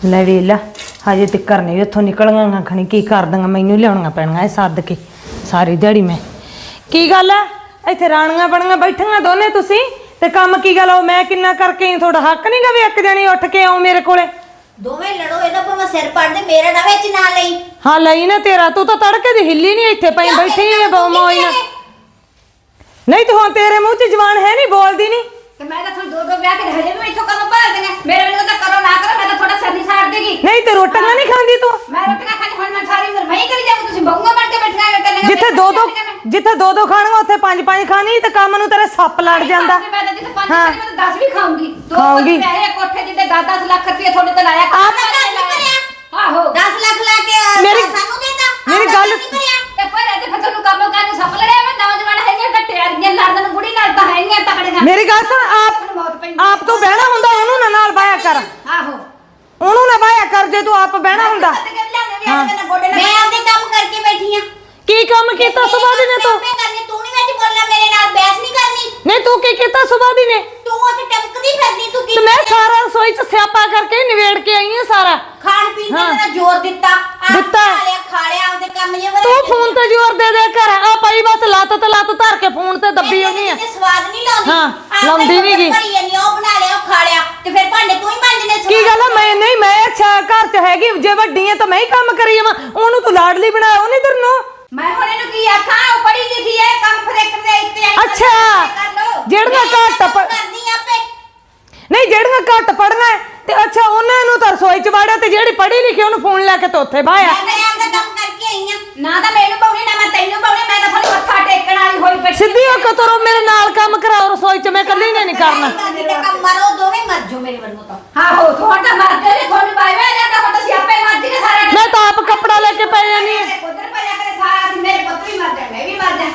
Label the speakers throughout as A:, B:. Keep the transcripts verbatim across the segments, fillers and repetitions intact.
A: ਲੈ ਵੇਲਾ हजे तक नहीं उतों निकलिया खनी की कर दूंगा मैनू लिया पैनिया सद के सारी दिहाड़ी मैं की गल है इतने रानियां बनिया बैठिया दोने तुसी ते काम की गल मैं किन्ना करके थोड़ा हक नहीं गा भी एक जनी उठ के आओ मेरे कोले
B: दोवें लड़ो इना भावें सिर पड़ दे मेरा ना विच ना लई
A: हां लई ना तेरा तू तो तड़के दी हिली नहीं इत्थे पई बैठी है मौज ना नहीं तो हुण तेरे मुंह च जवान है नहीं बोलदी नहीं
B: ते मैं तो थोड़ी दो दो ब्याह के हजे भी इथों काम भर देने मेरे वाले तो करो ना करो मैं तो थोड़ा सर नहीं छाड़ देगी
A: नहीं ते रोटियां नहीं खांदी तू
B: मैं रोटियां खाती हुण मैं सारी उम्र मैं ही करी जाऊं तुसी बहुआ बन के बैठना है करने
A: जिथे दो दो जिथे दो दो खाणगा उत्थे पांच पांच खानी ते काम नूं तेरे सप लड़ जांदा
B: मैं तो जिथे पांच खानी मैं तो दस भी खाऊंगी दो
A: खाऊंगी
B: पैसे कोठे जिते दस दस लाख रुपए थोड़े ते लाया आप आहो दस लाख ला के
A: मेरी
B: सानू देता
A: मेरी गल
B: ते पर अजे फिर तन्नू काम करने सप लड़या मैं नौजवान है नहीं टट्टे अड़ियां लड़न बुढ़ी नाल तो है नहीं तकड़े
A: मेरी गल सुन आप आप तो बहना हुंदा ओनू ना नाल बाया कर
B: आहो
A: ओनू ना बाया कर जे तू आप बहना हुंदा
B: मैं आपदे काम करके बैठी हां
A: की काम कीता सुबह दी ने तू
B: मैं करनी तू नहीं बैठी बोलना मेरे नाल बहस नहीं करनी
A: नहीं तू की कीता सुबह दी ने
B: तू ਉੱਥੇ ਟਮਕਦੀ ਫਿਰਦੀ ਤੂੰ ਕੀ
A: ਤੇ ਮੈਂ ਸਾਰਾ ਰਸੋਈ ਚ ਸਿਆਪਾ ਕਰਕੇ ਨਿਵੇੜ ਕੇ ਆਈ ਹਾਂ ਸਾਰਾ
B: ਖਾਣ ਪੀਣ ਤੇ ਤੇਰਾ ਜ਼ੋਰ ਦਿੱਤਾ
A: ਦਿੱਤਾ
B: ਖਾ ਲਿਆ ਖਾ ਲਿਆ ਆਪਦੇ ਕੰਮ ਜੇ
A: ਤੂੰ ਫੋਨ ਤੇ ਜ਼ੋਰ ਦੇ ਦੇ ਕਰ ਆ ਪਈ ਬਸ ਲੱਤ ਤੇ ਲੱਤ ਧਰ ਕੇ ਫੋਨ ਤੇ ਦੱਬੀ ਹੋਣੀ ਆ
B: ਸਵਾਦ ਨਹੀਂ ਲਾਉਂਦੀ
A: ਹਾਂ ਲਾਉਂਦੀ ਨਹੀਂ ਗੀ
B: ਭਰੀ ਨਹੀਂ ਉਹ ਬਣਾ ਲਿਆ ਉਹ ਖਾ ਲਿਆ ਤੇ ਫਿਰ ਭਾਂਡੇ ਤੂੰ ਹੀ ਮਾਂਜਣੇ
A: ਕੀ ਗੱਲ ਆ ਮੈਂ ਨਹੀਂ ਮੈਂ ਅੱਛਾ ਘਰ ਚ ਹੈਗੀ ਜੇ ਵੱਡੀ ਹੈ ਤਾਂ ਮੈਂ ਹੀ ਕੰਮ ਕਰੀ ਜਾਵਾਂ ਉਹਨੂੰ ਤੂੰ ਲਾਡਲੀ ਬਣਾਇਆ ਉਹਨੇ ਤੇਰੇ ਨੂੰ
B: ਮੈਂ ਹੁਣ ਇਹਨੂੰ ਕੀ ਆਖਾਂ ਉਹ ਪੜ੍ਹੀ ਲਿਖੀ ਹੈ ਕੰਮ ਫਿਰ ਇੱਕ ਦੇ ਇੱਥੇ
A: ਅੱਛਾ ਜਿਹੜੀਆਂ ਘੱਟ
B: ਕਰਦੀ ਆਪੇ
A: ਨਹੀਂ ਜਿਹੜੀਆਂ ਘੱਟ ਪੜਨਾ ਤੇ ਅੱਛਾ ਉਹਨਾਂ ਨੂੰ ਤਾਂ ਰਸੋਈ ਚ ਵਾੜਿਆ ਤੇ ਜਿਹੜੀ ਪੜ੍ਹੀ ਲਿਖੀ ਉਹਨੂੰ ਫੋਨ ਲੈ ਕੇ ਤੇ ਉੱਥੇ ਬਾਇਆ
B: ਮੈਂ ਆਪਦਾ ਕੰਮ ਕਰਕੇ ਆਈ ਆ ਨਾ ਤਾਂ ਮੈਨੂੰ ਪਾਉਣੀ ਨਾ ਮੈਂ ਤੈਨੂੰ ਪਾਉਣੀ ਮੈਂ ਤਾਂ ਥੋੜੀ ਮੱਥਾ ਟੇਕਣ ਵਾਲੀ ਹੋਈ ਪਈ
A: ਸਿੱਧੀ ਹੋ ਕੇ ਤੁਰੋ ਮੇਰੇ ਨਾਲ ਕੰਮ ਕਰਾਓ ਰਸੋਈ ਚ ਮੈਂ ਇਕੱਲੀ ਨੇ ਨਹੀਂ ਕਰਨਾ
B: ਕੰਮ ਮਰੋ ਦੋਵੇਂ ਮਰ ਜਾਓ ਮੇਰੇ ਵੱਲੋਂ ਤਾਂ ਹਾਂ ਹੋ ਤੁਹਾਡਾ ਮਰ ਗਏ ਨੇ ਤੁਹਾਨੂੰ ਬਾਈ ਵੇ ਜਾਂਦਾ ਹੁਣ ਤੁਸੀਂ ਆਪੇ ਮਰ ਜੀ ਸਾਰਾ
A: ਮੈਂ ਤਾਂ ਆਪ ਕੱਪੜਾ ਲੈ ਕੇ ਪੈ ਜਾਨੀ ਆ
B: ਉਧਰ ਪਰਿਆ ਕਰੇ ਸਾਰਾ ਅਸੀਂ ਮੇਰੇ ਪੁੱਤ ਵੀ ਮਰ ਜਾ ਮੈਂ ਵੀ ਮਰ ਜਾ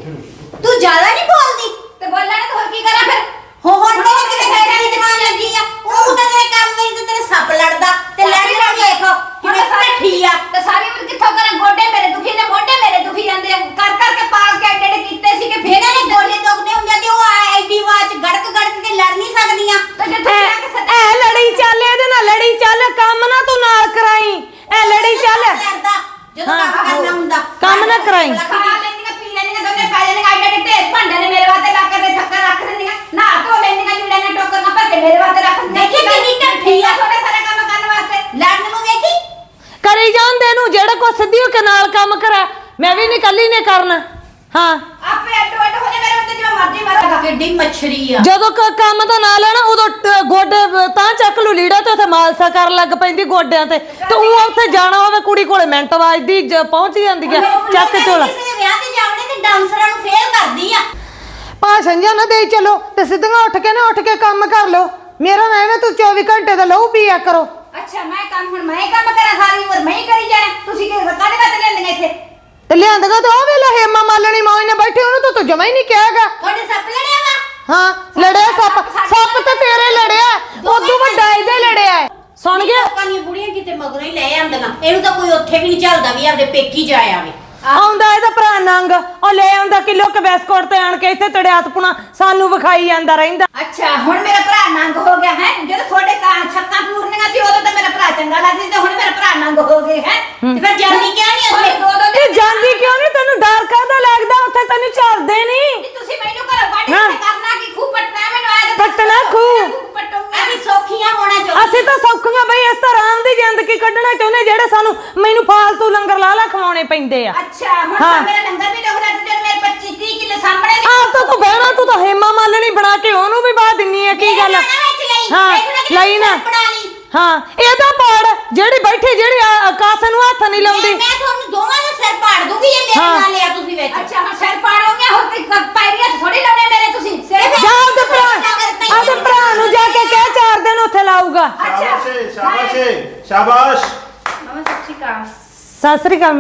B: ਤੂੰ ਜ਼ਿਆਦਾ ਨਹੀਂ ਬੋਲਦੀ ਤੇ ਬੋਲਣਾ ਤਾਂ ਹੋਰ ਕੀ ਕਰਾਂ ਫਿਰ ਹੋ ਹੁਣ ਤੇਰੇ ਕਿਤੇ ਬੈਠਣ ਦੀ ਜਵਾਨ ਲੱਗੀ ਆ ਉਹ ਤਾਂ ਤੇਰੇ ਕੰਮ ਵਿੱਚ ਤੇ ਤੇਰੇ ਸੱਪ ਲੜਦਾ ਤੇ ਲੜੀ ਨਾ ਦੇਖੋ ਕਿਵੇਂ ਬੈਠੀ ਆ ਤੇ ਸਾਰੀ ਉਮਰ ਕਿੱਥੋਂ ਕਰਾਂ ਗੋਡੇ ਮੇਰੇ ਦੁਖੀ ਨੇ ਮੋਢੇ ਮੇਰੇ ਦੁਖੀ ਜਾਂਦੇ ਆ ਕਰ ਕਰ ਕੇ ਪਾਲ ਕੇ ਐਡੇ ਕੀਤੇ ਸੀ ਕਿ ਫੇਰ ਇਹਨੇ ਗੋਡੇ ਦੁਖਦੇ ਹੁੰਦੇ ਤੇ ਉਹ ਐਡੀ ਆਵਾਜ਼ ਗੜਕ ਗੜਕ ਕੇ ਲੜ ਨਹੀਂ ਸਕਦੀਆਂ ਤੇ ਜਿੱਥੇ ਜਾ ਕੇ ਸੱਟ
A: ਐ ਲੜੀ ਚੱਲ ਇਹਦੇ ਨਾਲ ਲੜੀ ਚੱਲ ਕੰਮ ਨਾ ਤੂੰ ਨਾਲ ਕਰਾਈ ਐ ਲੜੀ ਚੱਲ
B: ਜਦੋਂ ਕੰਮ ਕਰਨਾ ਹੁੰਦਾ
A: ਕੰਮ ਨਾ ਕਰਾਈ
B: ਖਾ ਲੈਂਦੀਆਂ ਪੀ ਲੈਂਦੀਆਂ ਦੋਨੇ ਪੈ ਜਾਂਦੀਆਂ ਐਡੇ ਢੇਰ ਭਾਂਡੇ ਨੇ ਮੇਰੇ ਵਾਸਤੇ ਲਾ ਕੇ ਤੇ ਥੱਕਾ ਰੱਖ ਦਿੰਦੀਆਂ ਨਾ ਧੋ ਲੈਂਦੀਆਂ ਲੀੜੇ ਨੇ ਟੋਕਰਾਂ ਭਰ ਕੇ ਮੇਰੇ ਵਾਸਤੇ ਰੱਖ ਦਿੰਦੀਆਂ ਦੇਖੀ ਕਿੰਨੀ ਢੱਠੀ ਆ ਤੁਹਾਡੇ ਸਾਰੇ ਕੰਮ ਕਰਨ ਵਾਸਤੇ ਲੜਨ ਨੂੰ ਵੇਖੀ
A: ਕਰੀ ਜਾਂਦੇ ਨੂੰ ਜਿਹੜਾ ਕੋ ਸਿੱਧੀ ਹੋ ਕੇ ਨਾਲ ਕੰਮ ਕਰਾ ਮੈਂ ਵੀ ਨਹੀਂ ਇਕੱਲੀ ਨੇ ਕਰਨਾ ਹਾਂ
B: ਆਪੇ ਅੱਡ ਅੱਡ ਹੋ ਜਾ ਮੇਰੇ ਉੱਤੇ ਜਿਵੇਂ ਮਰਜ਼ੀ ਮਾਰੋ ਕਿੱਡੀ ਮੱਛਰੀ ਆ
A: ਜਦੋਂ ਕੰਮ ਦਾ ਨਾਂ ਲੈਣਾ ਉਦੋਂ ਗੋਡੇ ਤਾਂ ਚੱਕ ਲੂ ਲੀੜਾ ਤੇ ਉੱਥੇ ਮਾਲਸਾ ਕਰਨ ਲੱਗ ਪੈਂਦੀ ਗੋਡਿਆਂ ਤੇ ਤੇ ਉਹ ਉੱਥੇ ਜਾਣਾ ਹੋਵੇ ਕੁੜੀ ਕੋਲੇ ਮਿੰਟ ਵੱਜਦੀ ਪਹੁੰਚ ਜਾਂਦੀ ਆ ਚੱਕ ਝੋਲਾ
B: ਕਿਸੇ ਦੇ ਵਿਆਹ ਤੇ ਜਾਵਣੇ ਤੇ ਡਾਂਸਰਾਂ ਨੂੰ ਫੇਲ ਕਰਦੀ ਆ
A: ਭਾਸ਼ਣ ਜਾਂ ਨਾ ਦੇਈ ਚਲੋ ਤੇ ਸਿੱਧੀਆਂ ਉੱਠ ਕੇ ਨਾ ਉੱਠ ਕੇ ਕੰਮ ਕਰ ਲੋ ਮੇਰਾ ਨਾ ਐਵੇਂ ਤੂੰ ਚੌਵੀ ਘੰਟੇ ਦਾ ਲਹੂ ਪੀਆ ਕਰੋ
B: ਅੱਛਾ ਮੈਂ ਕੰਮ ਹੁਣ ਮੈਂ ਹੀ ਕੰਮ ਕਰਾਂ ਸਾਰੀ ਉਮਰ ਮੈਂ ਹੀ ਕਰੀ ਜਾਣਾ ਤੁਸੀਂ ਕਿ ਕਾਹਦੇ ਵਾਸਤੇ ਲੈਂਦੀਆਂ ਇੱਥੇ
A: ਤੇ ਲਿਆਂਦਗਾ ਤਾਂ ਉਹ ਵੇਲੇ ਹੇਮਾ ਮਾਲਣੀ ਮੌਜ ਨੇ ਬੈਠੇ ਉਹਨੂੰ ਤਾਂ ਤੂੰ ਜਮਾ ਹੀ ਨਹੀਂ ਕਿਹਾਗਾ
B: ਤੁਹਾਡੇ ਸੱਪ ਲੜਿਆ ਵਾ
A: ਹਾਂ ਲੜਿਆ ਸੱਪ ਸੱਪ ਤਾਂ ਤੇਰੇ ਲੜਿਆ ਉਦੋਂ ਵੱਡਾ ਇਹਦੇ ਲੜਿਆ ਸੁਣ ਗਿਆ
B: ਲੋਕਾਂ ਦੀਆਂ ਬੁੜੀਆਂ ਕਿਤੇ ਮਗਰੋਂ ਹੀ ਲੈ ਆਂਦੀਆਂ ਇਹਨੂੰ ਤਾਂ ਕੋਈ ਉੱਥੇ ਵੀ ਨਹੀਂ ਚੱਲਦਾ ਵੀ ਆਪਦੇ ਪੇਕੀ ਜਾ ਆਵੇ
A: ਆਉਂਦਾ ਇਹਦਾ ਭਰਾ ਨੰਗ ਉਹ ਲੈ ਆਉਂਦਾ ਕਿਲੋ ਕ ਬਿਸਕੁਟ ਤੇ ਆਣ ਕੇ ਇੱਥੇ ਤੜਿਆਤ ਪੁਣਾ ਸਾਨੂੰ ਵਿਖਾਈ ਜਾਂਦਾ ਰਹਿੰਦਾ
B: ਅੱਛਾ ਹੁਣ ਮੇਰਾ ਭਰਾ ਨੰਗ ਹੋ ਗਿਆ ਹੈ ਜਦੋਂ ਤੁਹਾਡੇ ਕਾਂ ਛੱਕਾਂ ਪੂਰਨੀਆਂ ਸੀ ਉਦੋਂ ਤਾਂ ਮੇਰਾ ਭਰਾ ਚੰਗਾ ਲੱਗਦਾ ਤੇ ਹੁਣ ਮੇਰਾ ਭਰਾ ਨੰਗ ਹੋ ਗਿਆ ਹੈ ਤੇ ਫਿਰ ਜਾਂਦੀ ਕਿਉਂ ਨਹੀਂ ਉੱਥੇ ਦੋ ਦੋ
A: ਇਹ ਜਾਂਦੀ ਕਿਉਂ ਨਹੀਂ ਤੈਨੂੰ ਡਰ ਕਾਹਦਾ ਲੱਗਦਾ ਉੱਥੇ ਤੈਨੂੰ ਚੱਲਦੇ ਨਹੀਂ
B: ਤੁਸੀਂ ਮੈਨੂੰ ਘਰੋਂ ਕੱਢ ਕੇ ਕਰਨਾ ਕੀ ਖੂ ਪਟਣਾ ਮੈਨੂੰ ਆਇਆ
A: ਪਟਣਾ ਖੂ
B: ਅਸੀਂ ਸੌਖੀਆਂ ਹੋਣਾ ਚਾਹੁੰਦੇ
A: ਅਸੀਂ ਤਾਂ ਸੌਖੀਆਂ ਬਈ ਇਸ ਤਰ੍ਹਾਂ ਦੀ ਜ਼ਿੰਦਗੀ ਕੱਢਣਾ ਚਾਹੁੰਦੇ ਜਿਹੜੇ ਸਾਨੂੰ ਮੈਨੂੰ ਫਾਲਤੂ ਲੰਗਰ ਲਾ ਲਾ ਖਵਾਉਣੇ ਪੈਂਦੇ ਆ
B: ਅੱਛਾ ਹੁਣ ਤਾਂ ਮੇਰਾ ਲੰਗਰ ਵੀ ਡੋਗਰਾ ਤੇ ਜਦ ਮੇਰੇ ਪੱਚੀ ਤੀਹ ਕਿਲੋ ਸਾਹਮਣੇ
A: ਆਹ ਤਾਂ ਤੂੰ ਬਹਿਣਾ ਤੂੰ ਤਾਂ ਹੇਮਾ ਮਾਲਣੀ ਬਣਾ ਕੇ ਉਹਨੂੰ ਵੀ ਬਾਹ ਦਿੰਨੀ ਆ ਕੀ ਗੱਲ ਹਾਂ ਲਈ ਨਾ ਹਾਂ ਇਹਦਾ ਪਾੜ ਜਿਹੜੀ ਬੈਠੀ ਜਿਹੜੀ ਆਕਾਸ਼ ਨੂੰ ਹੱਥ ਨਹੀਂ ਲਾਉਂਦੀ
B: ਮੈਂ ਤੁਹਾਨੂੰ ਦੋਵਾਂ ਦਾ ਸਿਰ ਪਾੜ ਦੂੰਗੀ ਜੇ ਮੇਰੇ ਨਾਲ ਲਿਆ ਤੁਸੀਂ ਵਿੱਚ ਅੱਛਾ ਹੁਣ ਸਿਰ ਪਾੜੋਗੇ ਹੋਰ ਤੇ ਪੈਰੀਆਂ ਥੋੜੀ ਲਾਉਣੇ ਮੇਰੇ ਤੁਸੀਂ
A: ਜਾ ਉਹਦੇ ਭਰਾ ਉਹਦੇ ਭਰਾ ਨੂੰ ਜਾ ਕੇ ਕਹਿ ਚਾਰ ਦਿਨ ਉੱਥੇ ਲਾਊਗਾ
C: ਸ਼ਾਬਾਸ਼ ਸ਼ਾਬਾਸ਼ ਸ਼ਾਬਾਸ਼
B: ਮਾਮਾ ਸਤਿ ਸ਼੍ਰੀ ਅਕਾਲ
A: ਸਤਿ ਸ੍ਰੀ ਅਕਾਲ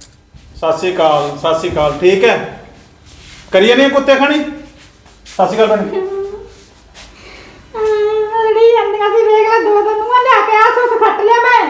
C: ਸਤਿ ਸ਼੍ਰੀ ਅਕਾਲ ਸਤਿ ਸ਼੍ਰੀ ਅਕਾਲ ਠੀਕ ਹੈ ਕਰੀਏ ਨਹੀਂ ਕੁੱਤੇ ਖਾਣੀ ਸਤਿ ਸ਼੍ਰੀ ਅਕਾਲ ਭੈਣ
A: ਲੜੀ ਜਾਂਦੀਆਂ ਸੀ ਵੇਖ ਲੈ ਦੋ ਦੋ ਨੂੰ ਲਿਆ ਕੇ ਆਸ ਉਸ ਖੱਟ ਲਿਆ ਮੈਂ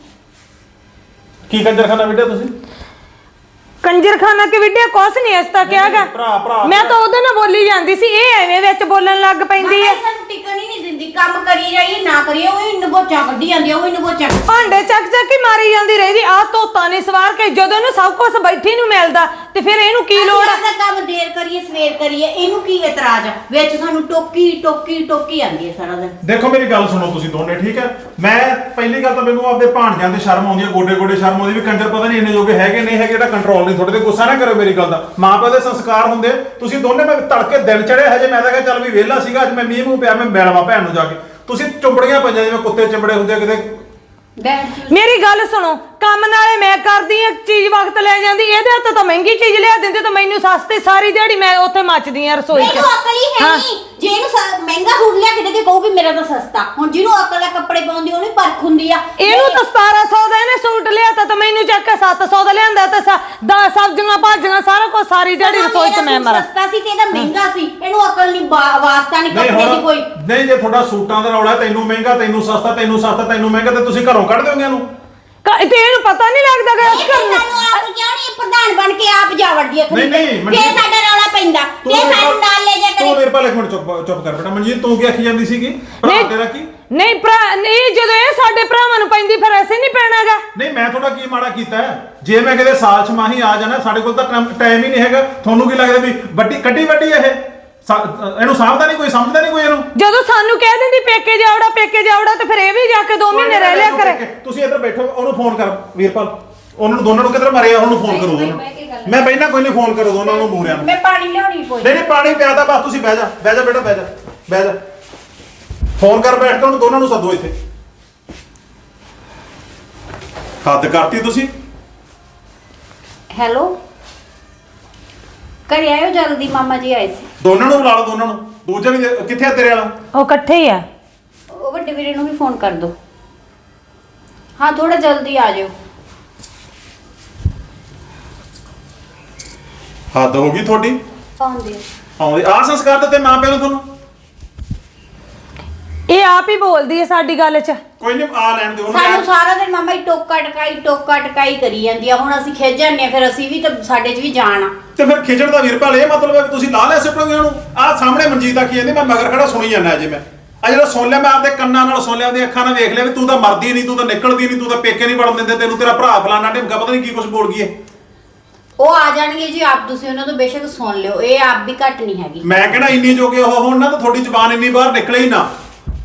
C: ਕੀ ਕੰਜਰਖਾਨਾ ਵੀਡੀਓ ਤੁਸੀਂ
A: ਕੰਜਰਖਾਨਾ ਕਿ ਵੀਡੀਓ ਕੁਛ ਨਹੀਂ ਇਸ ਤਾਂ ਕਿਹਾਗਾ
C: ਭਰਾ ਭਰਾ
A: ਮੈਂ ਤਾਂ ਉਹਦੇ ਨਾਲ ਬੋਲੀ ਜਾਂਦੀ ਸੀ ਇਹ ਐਵੇਂ ਵਿੱਚ ਬੋਲਣ ਲੱਗ ਪੈਂਦੀ ਹੈ
B: ਸਾਨੂੰ ਟਿਕਣ ਹੀ ਨਹੀਂ ਦਿੰਦੀ ਕੰਮ ਕਰੀ ਰਹੀ ਨਾ ਕਰੀਏ ਉਹ ਨਗੋਚਾਂ ਕੱਢੀ ਜਾਂਦੀ ਉਹ ਨਗੋਚਾਂ
A: ਭਾਂਡੇ ਚੱਕ ਚੱਕ ਹੀ ਮਾਰੀ ਜਾਂਦੀ ਰਹਿੰਦੀ ਆ ਧੋਤਾ ਨਹੀਂ ਸਵਾਰ ਕੇ ਜਦੋਂ ਇਹਨੂੰ ਸਭ ਕੁਝ ਬੈਠੀ ਨੂੰ ਮਿਲਦਾ ਤੇ ਫਿਰ ਇਹਨੂੰ ਕੀ ਲੋੜ ਆ
B: ਅਸੀਂ ਕੰਮ ਦੇਰ ਕਰੀਏ ਸਵੇਰ ਕਰੀਏ ਇਹਨੂੰ ਕੀ ਇਤਰਾਜ਼ ਆ ਵਿੱਚ ਸਾਨੂੰ ਟੋਕੀ ਟੋਕੀ ਟੋਕੀ ਆਂਦੀ ਹੈ ਸਾਰਾ ਦਿਨ।
C: ਦੇਖੋ ਮੇਰੀ ਗੱਲ ਸੁਣੋ ਤੁਸੀਂ ਦੋਨੇ, ਠੀਕ ਹੈ। ਮੈਂ ਪਹਿਲੀ ਗੱਲ ਤਾਂ ਮੈਨੂੰ ਆਪਦੇ ਭਾਣਜਿਆਂ ਤੇ ਸ਼ਰਮ ਆਉਂਦੀ ਹੈ, ਗੋਡੇ ਗੋਡੇ ਸ਼ਰਮ ਆਉਂਦੀ ਵੀ ਕੰਜਰ ਪਤਾ ਨਹੀਂ ਇੰਨੇ ਜੋਗੇ ਹੈਗੇ ਨਹੀਂ ਹੈਗੇ, ਇਹਦਾ ਕੰਟਰੋਲ ਨਹੀਂ। ਤੁਹਾਡੇ ਤੇ ਗੁੱਸਾ ਨਾ ਕਰੋ ਮੇਰੀ ਗੱਲ ਦਾ, ਮਾਂ ਪਿਓ ਦੇ ਸੰਸਕਾਰ ਹੁੰਦੇ। ਤੁਸੀਂ ਦੋਨੇ ਮੈਂ ਤੜਕੇ ਦਿਨ ਚੜਿਆ ਹਜੇ ਮੈਂ ਤਾਂ ਕਿਹਾ ਚੱਲ ਵੀ ਵਿਹਲਾ ਸੀਗਾ ਅੱਜ ਮੈਂ ਮੀਂਹ ਮੂੰਹ ਪਿਆ ਮੈਂ ਮਿਲਵਾ ਭੈਣ ਨੂੰ ਜਾ ਕੇ, ਤੁਸੀਂ ਚੁੰਬੜੀਆਂ ਪਈਆਂ ਜਿਵੇਂ ਕੁੱਤੇ ਚਿੰਬੜੇ ਹੁੰਦੇ ਆ ਕਿਤੇ।
A: ਮੇਰੀ ਗੱਲ ਸੁਣੋ, ਕੰਮ ਨਾਲੇ ਮੈਂ ਕਰਦੀ ਆ, ਚੀਜ਼ ਵਕਤ ਲੈ ਜਾਂਦੀ, ਇਹਦੇ ਹੱਥ ਤਾਂ ਮਹਿੰਗੀ ਚੀਜ਼ ਲਿਆ ਦਿੰਦੇ ਤਾਂ ਮੈਨੂੰ ਸਸਤੀ, ਸਾਰੀ ਦਿਹਾੜੀ ਮੈਂ ਉੱਥੇ ਮੱਚਦੀ ਆ ਰਸੋਈ 'ਚ।
B: ਮੈਨੂੰ ਅਕਲ ਹੀ ਹੈ ਨਹੀਂ, ਜੇ ਇਹਨੂੰ ਮਹਿੰਗਾ ਸੂਟ ਲਿਆ ਕੇ ਦੇ ਕੇ ਕਹੂ ਵੀ ਮੇਰਾ ਤਾਂ ਸਸਤਾ। ਹੁਣ ਜਿਹਨੂੰ ਅਕਲ ਆ ਕੱਪੜੇ ਪਾਉਂਦੀ ਉਹਨੂੰ ਪਰਖ ਹੁੰਦੀ ਆ।
A: ਇਹਨੂੰ ਤਾਂ ਸਤਾਰਾਂ ਸੌ ਦਾ ਇਹਨੇ ਸੂਟ ਲਿਆ ਤਾਂ ਮੈਨੂੰ ਚੱਕ ਕੇ ਸੱਤ ਸੌ ਦਾ ਲਿਆਂਦਾ ਤੇ ਦਸ ਸਬਜ਼ੀਆਂ ਭਾਜੀਆਂ ਸਾਰਾ ਕੁਝ ਸਾਰੀ ਦਿਹਾੜੀ ਰਸੋਈ 'ਚ ਮੈਂ ਮਰਾਂ।
B: ਸਸਤਾ ਸੀ ਤੇ ਇਹਦਾ ਮਹਿੰਗਾ ਸੀ, ਇਹਨੂੰ ਅਕਲ ਨਹੀਂ ਵਾਸਤਾ ਨਹੀਂ ਕੱਪੜੇ ਦੀ ਕੋਈ।
C: ਨਹੀਂ ਜੇ ਤੁਹਾਡਾ ਸੂਟਾਂ ਦਾ ਰੌਲਾ ਤੈਨੂੰ ਮਹਿੰਗਾ ਤੈਨੂੰ ਸਸਤਾ ਤੈਨੂੰ ਸਸਤਾ ਤੈਨੂੰ ਮਹਿੰਗਾ ਤੇ ਤੁਸੀਂ ਘਰੋਂ ਕੱਢ ਦਿਓਗੇ ਇਹਨੂੰ
A: ਤੇ ਇਹਨੂੰ ਪਤਾ ਨਹੀਂ ਲੱਗਦਾ ਕਿ ਇਸ ਘਰ ਨੂੰ
B: ਸਾਨੂੰ ਆਪ ਕਿਉਂ ਨਹੀਂ ਪ੍ਰਧਾਨ ਬਣ ਕੇ ਆਪ ਜਾ ਵੜਦੀ ਹੈ
C: ਨਹੀਂ ਨਹੀਂ
B: ਫੇਰ ਸਾਡਾ ਰੌਲਾ ਪੈਂਦਾ ਤੇ ਸਾਨੂੰ ਨਾਲ ਲੈ ਜਾ
C: ਤੂੰ
B: ਕਰੇ।
C: ਮੇਰੇ ਪਾਲੇ ਇੱਕ ਮਿੰਟ ਚੁੱਪ ਚੁੱਪ ਕਰ ਬੇਟਾ। ਮਨਜੀਤ ਤੂੰ ਕੀ ਆਖੀ ਜਾਂਦੀ ਸੀਗੀ? ਭਰਾ ਤੇਰਾ ਕੀ?
A: ਨਹੀਂ ਭਰਾ ਨਹੀਂ, ਜਦੋਂ ਇਹ ਸਾਡੇ ਭਰਾਵਾਂ ਨੂੰ ਪੈਂਦੀ ਫਿਰ ਐਸੇ ਨਹੀਂ ਪੈਣਾਗਾ।
C: ਨਹੀਂ ਮੈਂ ਤੁਹਾਡਾ ਕੀ ਮਾੜਾ ਕੀਤਾ ਹੈ? ਜੇ ਮੈਂ ਕਿਤੇ ਸਾਲ ਛਮਾਹੀ ਆ ਜਾਣਾ, ਸਾਡੇ ਕੋਲ ਤਾਂ ਟਾਈਮ ਹੀ ਨਹੀਂ ਹੈਗਾ। ਤੁਹਾਨੂੰ ਕੀ ਲੱਗਦਾ ਵੀ ਵੱਡੀ ਕੱਢੀ ਵੱਡੀ ਇਹ ਇਹਨੂੰ ਸਾਂਭਦਾ ਨਹੀਂ ਕੋਈ, ਸਮਝਦਾ ਨਹੀਂ ਕੋਈ ਇਹਨੂੰ।
A: ਜਦੋਂ ਸਾਨੂੰ ਕਹਿ ਦਿੰਦੀ ਪੇਕੇ ਜਾਵੜਾ ਪੇਕੇ ਜਾਵੜਾ ਤੇ ਫਿਰ ਇਹ ਵੀ ਜਾ ਕੇ ਦੋ ਮਹੀਨੇ ਰਹਿ ਲਿਆ ਕਰੇ।
C: ਤੁਸੀਂ ਇੱਧਰ ਬੈਠੋ, ਉਹਨੂੰ ਫੋਨ ਕਰ ਵੀਰਪਾਲ, ਉਹਨਾਂ ਨੂੰ ਦੋਨਾਂ ਨੂੰ ਕਿੱਧਰ ਮਾਰਿਆ ਉਹਨੂੰ ਫੋਨ ਕਰੋ ਦੋਨਾਂ। ਮੈਂ ਬੈਠਾ ਕੋਈ ਨਹੀਂ, ਫੋਨ ਕਰੋ ਦੋਨਾਂ ਨੂੰ ਮੂਰਿਆਂ ਨੂੰ।
B: ਮੈਂ ਪਾਣੀ ਲਿਆਉਣੀ ਕੋਈ
C: ਨਹੀਂ ਨਹੀਂ ਪਾਣੀ ਪਿਆਦਾ ਬਸ, ਤੁਸੀਂ ਬਹਿ ਜਾ ਬਹਿ ਜਾ ਬੇਟਾ ਬਹਿ ਜਾ ਬਹਿ ਜਾ। ਫੋਨ ਕਰ ਬੈਠ ਕੇ ਉਹਨੂੰ ਦੋਨਾਂ ਨੂੰ ਸੱਦੋ ਇੱਥੇ। ਹੱਦ ਕਰਤੀ ਤੁਸੀਂ।
B: ਹੈਲੋ ਘਰੇ ਆਇਓ ਜਲਦੀ, ਮਾਮਾ ਜੀ ਆਏ ਸੀ।
C: ਦੋਨਾਂ ਨੂੰ ਬੁਲਾ ਲਓ ਦੋਨਾਂ ਨੂੰ। ਦੂਜਾ ਵੀ ਦੇ- ਕਿੱਥੇ ਆ ਤੇਰੇ ਵਾਲਾ?
A: ਉਹ ਇਕੱਠੇ ਹੀ ਆ।
B: ਉਹ ਵੱਡੇ ਵੀਰੇ ਨੂੰ ਵੀ ਫੋਨ ਕਰ ਦੋ। ਹਾਂ ਥੋੜਾ ਜਲਦੀ ਆ ਜਾਓ।
C: ਹੱਦ ਹੋ ਗਈ ਤੁਹਾਡੀ।
B: ਆਉਂਦੇ
C: ਆਉਂਦੇ ਆ ਸੰਸਕਾਰ ਦਿੱਤੇ ਮਾਂ ਪਿਓ ਨੇ ਤੁਹਾਨੂੰ।
A: ਇਹ ਆਪ ਹੀ ਬੋਲਦੀ ਹੈ ਸਾਡੀ ਗੱਲ 'ਚ।
C: ਕੋਈ ਨਹੀਂ ਆ ਲੈਣ ਦਿਓ
B: ਸਾਨੂੰ
C: ਉਹਨੂੰ।
B: ਸਾਰਾ ਦਿਨ ਮਾਮਾ ਜੀ ਟੋਕਾ ਟਕਾਈ ਟੋਕਾ ਟਕਾਈ ਕਰੀ ਜਾਂਦੀ ਆ। ਹੁਣ ਅਸੀਂ ਖਿੱਚ ਜਾਂਦੇ ਆ, ਫਿਰ ਅਸੀਂ ਵੀ ਤਾਂ ਸਾਡੇ 'ਚ ਵੀ ਜਾਣ ਆ।
C: ਤੇ ਫਿਰ ਖਿਜਣ ਦਾ ਵੀਰਪਾਲ ਇਹ ਮਤਲਬ ਹੈ ਕਿ ਤੁਸੀਂ ਲਾ ਲੈ ਸਿੱਟੋਗੇ ਉਹਨੂੰ। ਆਹ ਸਾਹਮਣੇ ਮਨਜੀਤ ਆਖੀ ਜਾਂਦੀ, ਮੈਂ ਮਗਰ ਖੜਾ ਸੁਣੀ ਜਾਂਦਾ ਅਜੇ। ਮੈਂ ਆ ਜਿਹੜਾ ਸੁਣ ਲਿਆ, ਮੈਂ ਆਪਦੇ ਕੰਨਾਂ ਨਾਲ ਸੁਣ ਲਿਆ, ਉਹਦੀਆਂ ਅੱਖਾਂ ਨਾਲ ਵੇਖ ਲਿਆ ਵੀ ਤੂੰ ਤਾਂ ਮਰਦੀ ਨਹੀਂ, ਤੂੰ ਤਾਂ ਨਿਕਲਦੀ ਨਹੀਂ, ਤੂੰ ਤਾਂ ਪੇਕੇ ਨਹੀਂ ਵੜਨ ਦਿੰਦੇ, ਤੈਨੂੰ ਤੇਰਾ ਭਰਾ ਫਲਾਣਾ ਢਿਮਕਾ ਪਤਾ ਨਹੀਂ ਕੀ ਕੁਝ ਬੋਲ ਗਈ ਹੈ।
B: ਉਹ ਆ ਜਾਣਗੇ ਜੀ, ਆਪ ਤੁਸੀਂ ਉਹਨਾਂ ਤੋਂ ਬੇਸ਼ੱਕ ਸੁਣ ਲਿਓ, ਇਹ ਆਪ ਵੀ ਘੱਟ ਨਹੀਂ ਹੈਗੀ।
C: ਮੈਂ ਕਹਿੰਦਾ ਇੰਨੀ ਜੋਗੇ ਉਹ ਹੋਣ ਨਾ ਤਾਂ ਤੁਹਾਡੀ ਜ਼ੁਬਾਨ ਇੰਨੀ ਬਾਹਰ ਨਿਕਲੇ ਹੀ ਨਾ।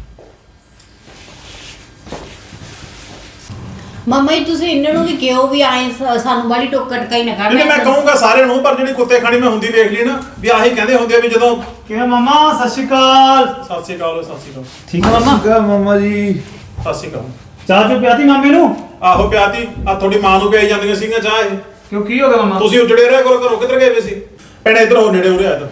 B: ਮਾਮਾ ਜੀ ਤੁਸੀਂ ਇਹਨਾਂ ਨੂੰ ਵੀ ਕਿਹੋ ਵੀ ਆਏ ਸਾਨੂੰ ਵਾਲੀ ਟੋਕਾ ਟਕਾਈ ਨਾ
C: ਨਹੀਂ ਮੈਂ
B: ਕਰਨਾ।
C: ਕਹੂੰਗਾ ਸਾਰਿਆਂ ਨੂੰ, ਪਰ ਜਿਹੜੀ ਕੁੱਤੇ ਖਾਣੀ ਮੈਂ ਹੁੰਦੀ ਵੇਖ ਲਈ ਨਾ ਵੀ ਆਹੀ ਕਹਿੰਦੇ ਹੁੰਦੇ ਆ ਵੀ ਜਦੋਂ
D: ਕਿਵੇਂ ਮਾਮਾ? ਸਤਿ ਸ਼੍ਰੀ ਅਕਾਲ।
C: ਸਤਿ ਸ਼੍ਰੀ ਅਕਾਲ ਸਤਿ ਸ਼੍ਰੀ ਅਕਾਲ।
D: ਠੀਕ ਹੈ ਮਾਮਾ?
E: ਕਾ ਮਾਮਾ ਜੀ
C: ਸਤਿ ਸ਼੍ਰੀ ਅਕਾਲ।
D: ਚਾਹ ਚੋ ਪਿਆਤੀ ਮਾਮੇ ਨੂੰ?
C: ਆਹੋ ਪਿਆਤੀ ਆ ਤੁਹਾਡੀ ਮਾਂ ਨੂੰ ਪਿਆਈ ਜਾਂਦੀਆਂ ਸੀਗੀਆਂ ਚਾਹ ਇਹ।
D: ਕਿਉਂ ਕੀ ਹੋ ਗਿਆ ਮਾਮਾ?
C: ਤੁਸੀਂ ਉਜੜੇ ਰਿਹਾ ਕਰੋ, ਘਰੋਂ ਕਿੱਧਰ ਗਏ ਵੇ ਸੀ? ਭੈਣੇ ਇੱਧਰ ਹੋ, ਨੇੜੇ ਹੋ ਰਿਹਾ ਇੱਧਰ।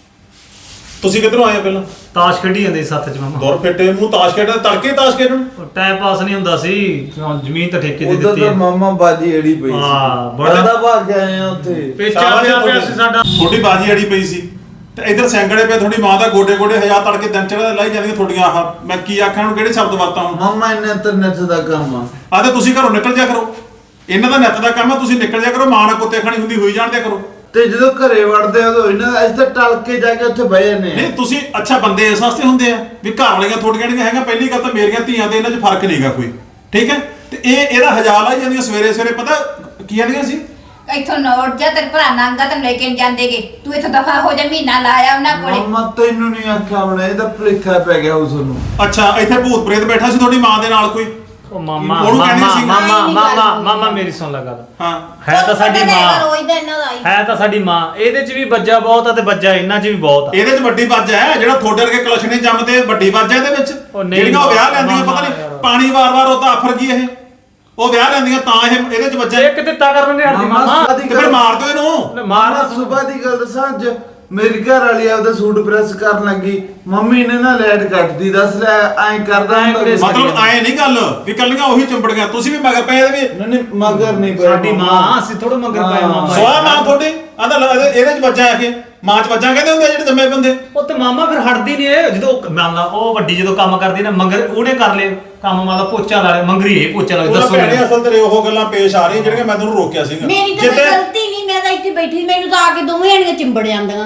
C: ਤੁਸੀਂ ਕਿੱਧਰੋਂ ਆਏ ਪਹਿਲਾਂ?
D: ਤਾਸ਼ ਖੇਡੀ ਜਾਂਦੇ ਸੀ ਸੱਤ ਚ ਮਾਮਾ।
C: ਦੁਰ ਫਿੱਟੇ ਮੂੰਹ ਤਾਸ਼ ਖੇਡਣ, ਤੜਕੇ ਤਾਸ਼ ਖੇਡਣ।
D: ਟਾਈਮ ਪਾਸ ਨਹੀਂ ਹੁੰਦਾ ਸੀ, ਜ਼ਮੀਨ ਤਾਂ ਠੇਕੇ ਤੇ
E: ਉਧਰ
D: ਦਿੱਤੀ
E: ਤਾਂ
D: ਹੈ।
E: ਮਾਮਾ ਬਾਜੀ ਅੜੀ ਪਈ ਸੀ।
D: ਹਾਂ, ਬੜਾ-
E: ਬੜਾ ਭਾਗ ਕੇ ਆਏ ਆ ਉੱਥੇ।
D: ਪੇਚਾ ਪਿਆ ਪਿਆ ਸੀ ਸਾਡਾ।
C: ਤੁਹਾਡੀ ਬਾਜੀ ਅੜੀ ਪਈ ਸੀ ਤੇ ਇੱਧਰ ਸੈਂਕੜੇ ਪਏ, ਤੁਹਾਡੀ ਮਾਂ ਦਾ ਗੋਡੇ ਗੋਡੇ ਹਜ਼ਾਰ ਤੜਕੇ ਦਿਨ ਚੜਾ ਲਾਈ ਜਾਂਦੀਆਂ ਤੁਹਾਡੀਆਂ। ਆਹ ਮੈਂ ਕੀ ਆਖਾਂ ਨੂੰ, ਕਿਹੜੇ ਸ਼ਬਦ ਵਰਤਾਂ ਹੁਣ?
E: ਮਾਮਾ ਇਹਨੇ ਤਾਂ ਨੱਚ ਦਾ ਕੰਮ ਆ।
C: ਆ ਤੇ ਤੁਸੀਂ ਘਰੋਂ ਨਿਕਲ ਜਾ ਕਰੋ, ਇਹਨਾਂ ਦਾ ਨਿੱਤ ਦਾ ਕੰਮ ਆ, ਤੁਸੀਂ ਨਿਕਲ ਜਾ ਕਰੋ। ਮਾਂ ਨਾਲ ਕੁੱਤੇ ਖਾਣੀ ਹੁੰਦੀ ਹੋਈ ਜਾਣ ਦਿਆ ਕਰੋ।
E: ਤੇ ਜਦੋਂ ਘਰੇ ਵੜਦੇ ਆ ਉਦੋਂ ਇਹਨਾਂ ਅਸੀਂ ਤਾਂ ਟਲ ਕੇ ਜਾ ਕੇ ਉੱਥੇ ਬਹਿ ਜਾਂਦੇ
C: ਨਹੀਂ
E: ਆ।
C: ਤੁਸੀਂ ਅੱਛਾ ਬੰਦੇ ਇਸ ਵਾਸਤੇ ਹੁੰਦੇ ਆ ਵੀ ਘਰ ਵਾਲੀਆਂ ਤੁਹਾਡੀਆਂ ਜਿਹੜੀਆਂ ਹੈਗਾ, ਪਹਿਲੀ ਗੱਲ ਤਾਂ ਮੇਰੀਆਂ ਧੀਆਂ ਤੇ ਇਹਨਾਂ 'ਚ ਫਰਕ ਨਹੀਂਗਾ ਕੋਈ, ਠੀਕ ਹੈ। ਤੇ ਇਹ ਇਹਦਾ ਹਜ਼ਾਰ ਲਾਈ ਜਾਂਦੀਆਂ ਸਵੇਰੇ ਸਵੇਰੇ, ਪਤਾ ਕੀ ਆਂਦੀਆਂ ਸੀ?
B: ਇੱਥੋਂ ਨੋਟ ਜਾ ਤੇਰੇ ਭਰਾ ਨਾਂਗਾ ਤੈਨੂੰ ਲੈ ਕੇ ਜਾਂਦੇਗੇ, ਤੂੰ ਇੱਥੋਂ ਦਫਾ ਹੋ ਜਾ, ਮਹੀਨਾ ਲਾਇਆ ਉਹਨਾਂ ਕੋਲੇ।
E: ਮਾਮਾ ਤੈਨੂੰ ਨਹੀਂ ਆਖਿਆ ਹੋਣਾ, ਇਹਦਾ ਭੁਲੇਖਾ ਪੈ ਗਿਆ ਉਸ ਨੂੰ।
C: ਅੱਛਾ ਇੱਥੇ ਭੂਤ ਪ੍ਰੇਤ ਬੈਠਾ ਸੀ ਤੁਹਾਡੀ ਮਾਂ ਦੇ ਨਾਲ ਕੋਈ?
D: ਉਹ ਮਾਮਾ
C: ਉਹਨੂੰ ਕਹਿੰਦੇ
D: ਮਾਮਾ
C: ਸੀ-
D: ਮਾਮਾ
B: ਨਹੀਂ, ਨਹੀਂ
D: ਮਾਮਾ
B: ਗੱਲ
D: ਮਾਮਾ ਮੇਰੀ ਸੁਣ ਲੈ ਗੱਲ।
C: ਹਾਂ
D: ਹੈ ਤਾਂ ਸਾਡੀ ਮਾਂ,
B: ਰੋਜ਼ ਦਾ ਇਹਨਾਂ ਦਾ ਹੀ।
D: ਹੈ ਤਾਂ ਸਾਡੀ ਮਾਂ। ਇਹਦੇ ਚ ਵੀ ਬੱਜਾ ਬਹੁਤ ਆ ਤੇ ਬੱਜਾ ਇਹਨਾਂ ਚ ਵੀ ਬਹੁਤ ਆ।
C: ਇਹਦੇ 'ਚ ਵੱਡੀ ਵੱਜ ਹੈ, ਜਿਹੜਾ ਤੁਹਾਡੇ ਵਰਗੇ ਕਲਸ਼ਣੇ ਜੰਮਦੇ ਵੱਡੀ ਵੱਜ ਹੈ ਇਹਦੇ ਵਿੱਚ।
D: ਉਹ ਨਹੀਂ
C: ਜਿਹੜੀਆਂ ਉਹ ਵਿਆਹ ਲੈਂਦੀਆਂ ਪਤਾ
D: ਮਾਮਾ
C: ਨਹੀਂ
D: ਯਾਰ।
C: ਪਾਣੀ ਵਾਰ-ਵਾਰ ਉਹ ਤਾਂ ਆਫਰ ਗਈ ਇਹ, ਉਹ ਵਿਆਹ ਲੈਂਦੀਆਂ ਤਾਂ ਇਹ ਇਹਦੇ 'ਚ ਵੱਜਾ।
D: ਇੱਕ ਦਿੱਤਾ ਕਰਨ ਨਹੀਂ ਹਟਦੀ ਮਾਮਾ।
C: ਤੇ ਫਿਰ ਮਾਰ ਦਿਓ ਇਹਨੂੰ।
D: ਮਾਰ
E: ਮਾਮਾ ਸੁਬਾਹ ਦੀ ਗੱਲ ਦੱਸਾਂ, ਅੱਜ ਮੇਰੀ ਘਰ ਵਾਲੀ ਆਪਦਾ ਸੂਟ ਪ੍ਰੈਸ ਕਰਨ ਲੱਗੀ, ਮੰਮੀ ਨੇ ਨਾ ਲਾਈਟ ਕੱਟਦੀ, ਦੱਸ ਲੈ ਐਂ ਕਰਦਾ ਹੁੰਦਾ
D: ਐਂ
E: ਸੀ।
C: ਮਤਲਬ ਆਏ ਨਹੀਂ ਗੱਲ ਵੀ ਕੱਲੀਆਂ ਉਹੀ ਚੰਬੜੀਆਂ, ਤੁਸੀਂ ਵੀ ਮਗਰ ਪਏ ਇਹਦੇ ਵੀ।
E: ਨਹੀਂ ਨਹੀਂ ਮਗਰ ਨਹੀਂ ਪਿਆ
D: ਸਾਡੀ ਮਾਂ, ਅਸੀਂ ਥੋੜਾ ਮੰਗਰ ਪਾਇਆ
E: ਹਾਂ।
D: ਮਾਮਾ।
C: ਸਵਾਹ ਮਾਂ ਤੁਹਾਡੀ ਆਂਦਾ ਇਹਦੇ 'ਚ ਵੱਜਾ ਇਹ, ਮਾਂ 'ਚ ਵੱਜਾ ਕਹਿੰਦੇ ਹੁੰਦੇ ਆ ਜਿਹੜੇ ਜੰਮੇ ਬੰਦੇ।
D: ਉਹ ਤੇ ਮਾਮਾ ਫਿਰ ਹਟਦੀ ਨਹੀਂ ਇਹ, ਜਦੋਂ ਉਹ ਮੰਨ ਲਾ ਉਹ ਵੱਡੀ ਜਦੋਂ ਕੰਮ ਕਰਦੀ ਨਾ ਮੰਗਰ ਉਹਨੇ ਕਰ ਲਏ ਕੰਮ, ਮੰਨ ਲਾ ਪੋਚਾ ਲਾ ਲਿਆ, ਮੰਗਰੀ ਇਹ ਪੋਚਾ ਲਾ
C: ਉਹਦਾ
D: ਦੱਸੋ
C: ਭੈਣੇ ਅਸਲ ਤੇਰੇ ਉਹ ਗੱਲਾਂ ਪੇਸ਼ ਆ ਰਹੀਆਂ ਜਿਹੜੀਆਂ ਮੈਂ ਤੁਹਾਨੂੰ ਰੋਕਿਆ ਸੀਗਾ।
B: ਮੇਰੀ ਤਾਂ ਕੋਈ ਗਲਤੀ ਨਹੀਂ, ਮੈਂ ਤਾਂ ਇੱਥੇ ਬੈਠੀ, ਮੈਨੂੰ ਤਾਂ ਆ ਕੇ ਦੋਵੇਂ ਜਣੀਆਂ ਚਿੰਬੜ ਜਾਂਦੀਆਂ।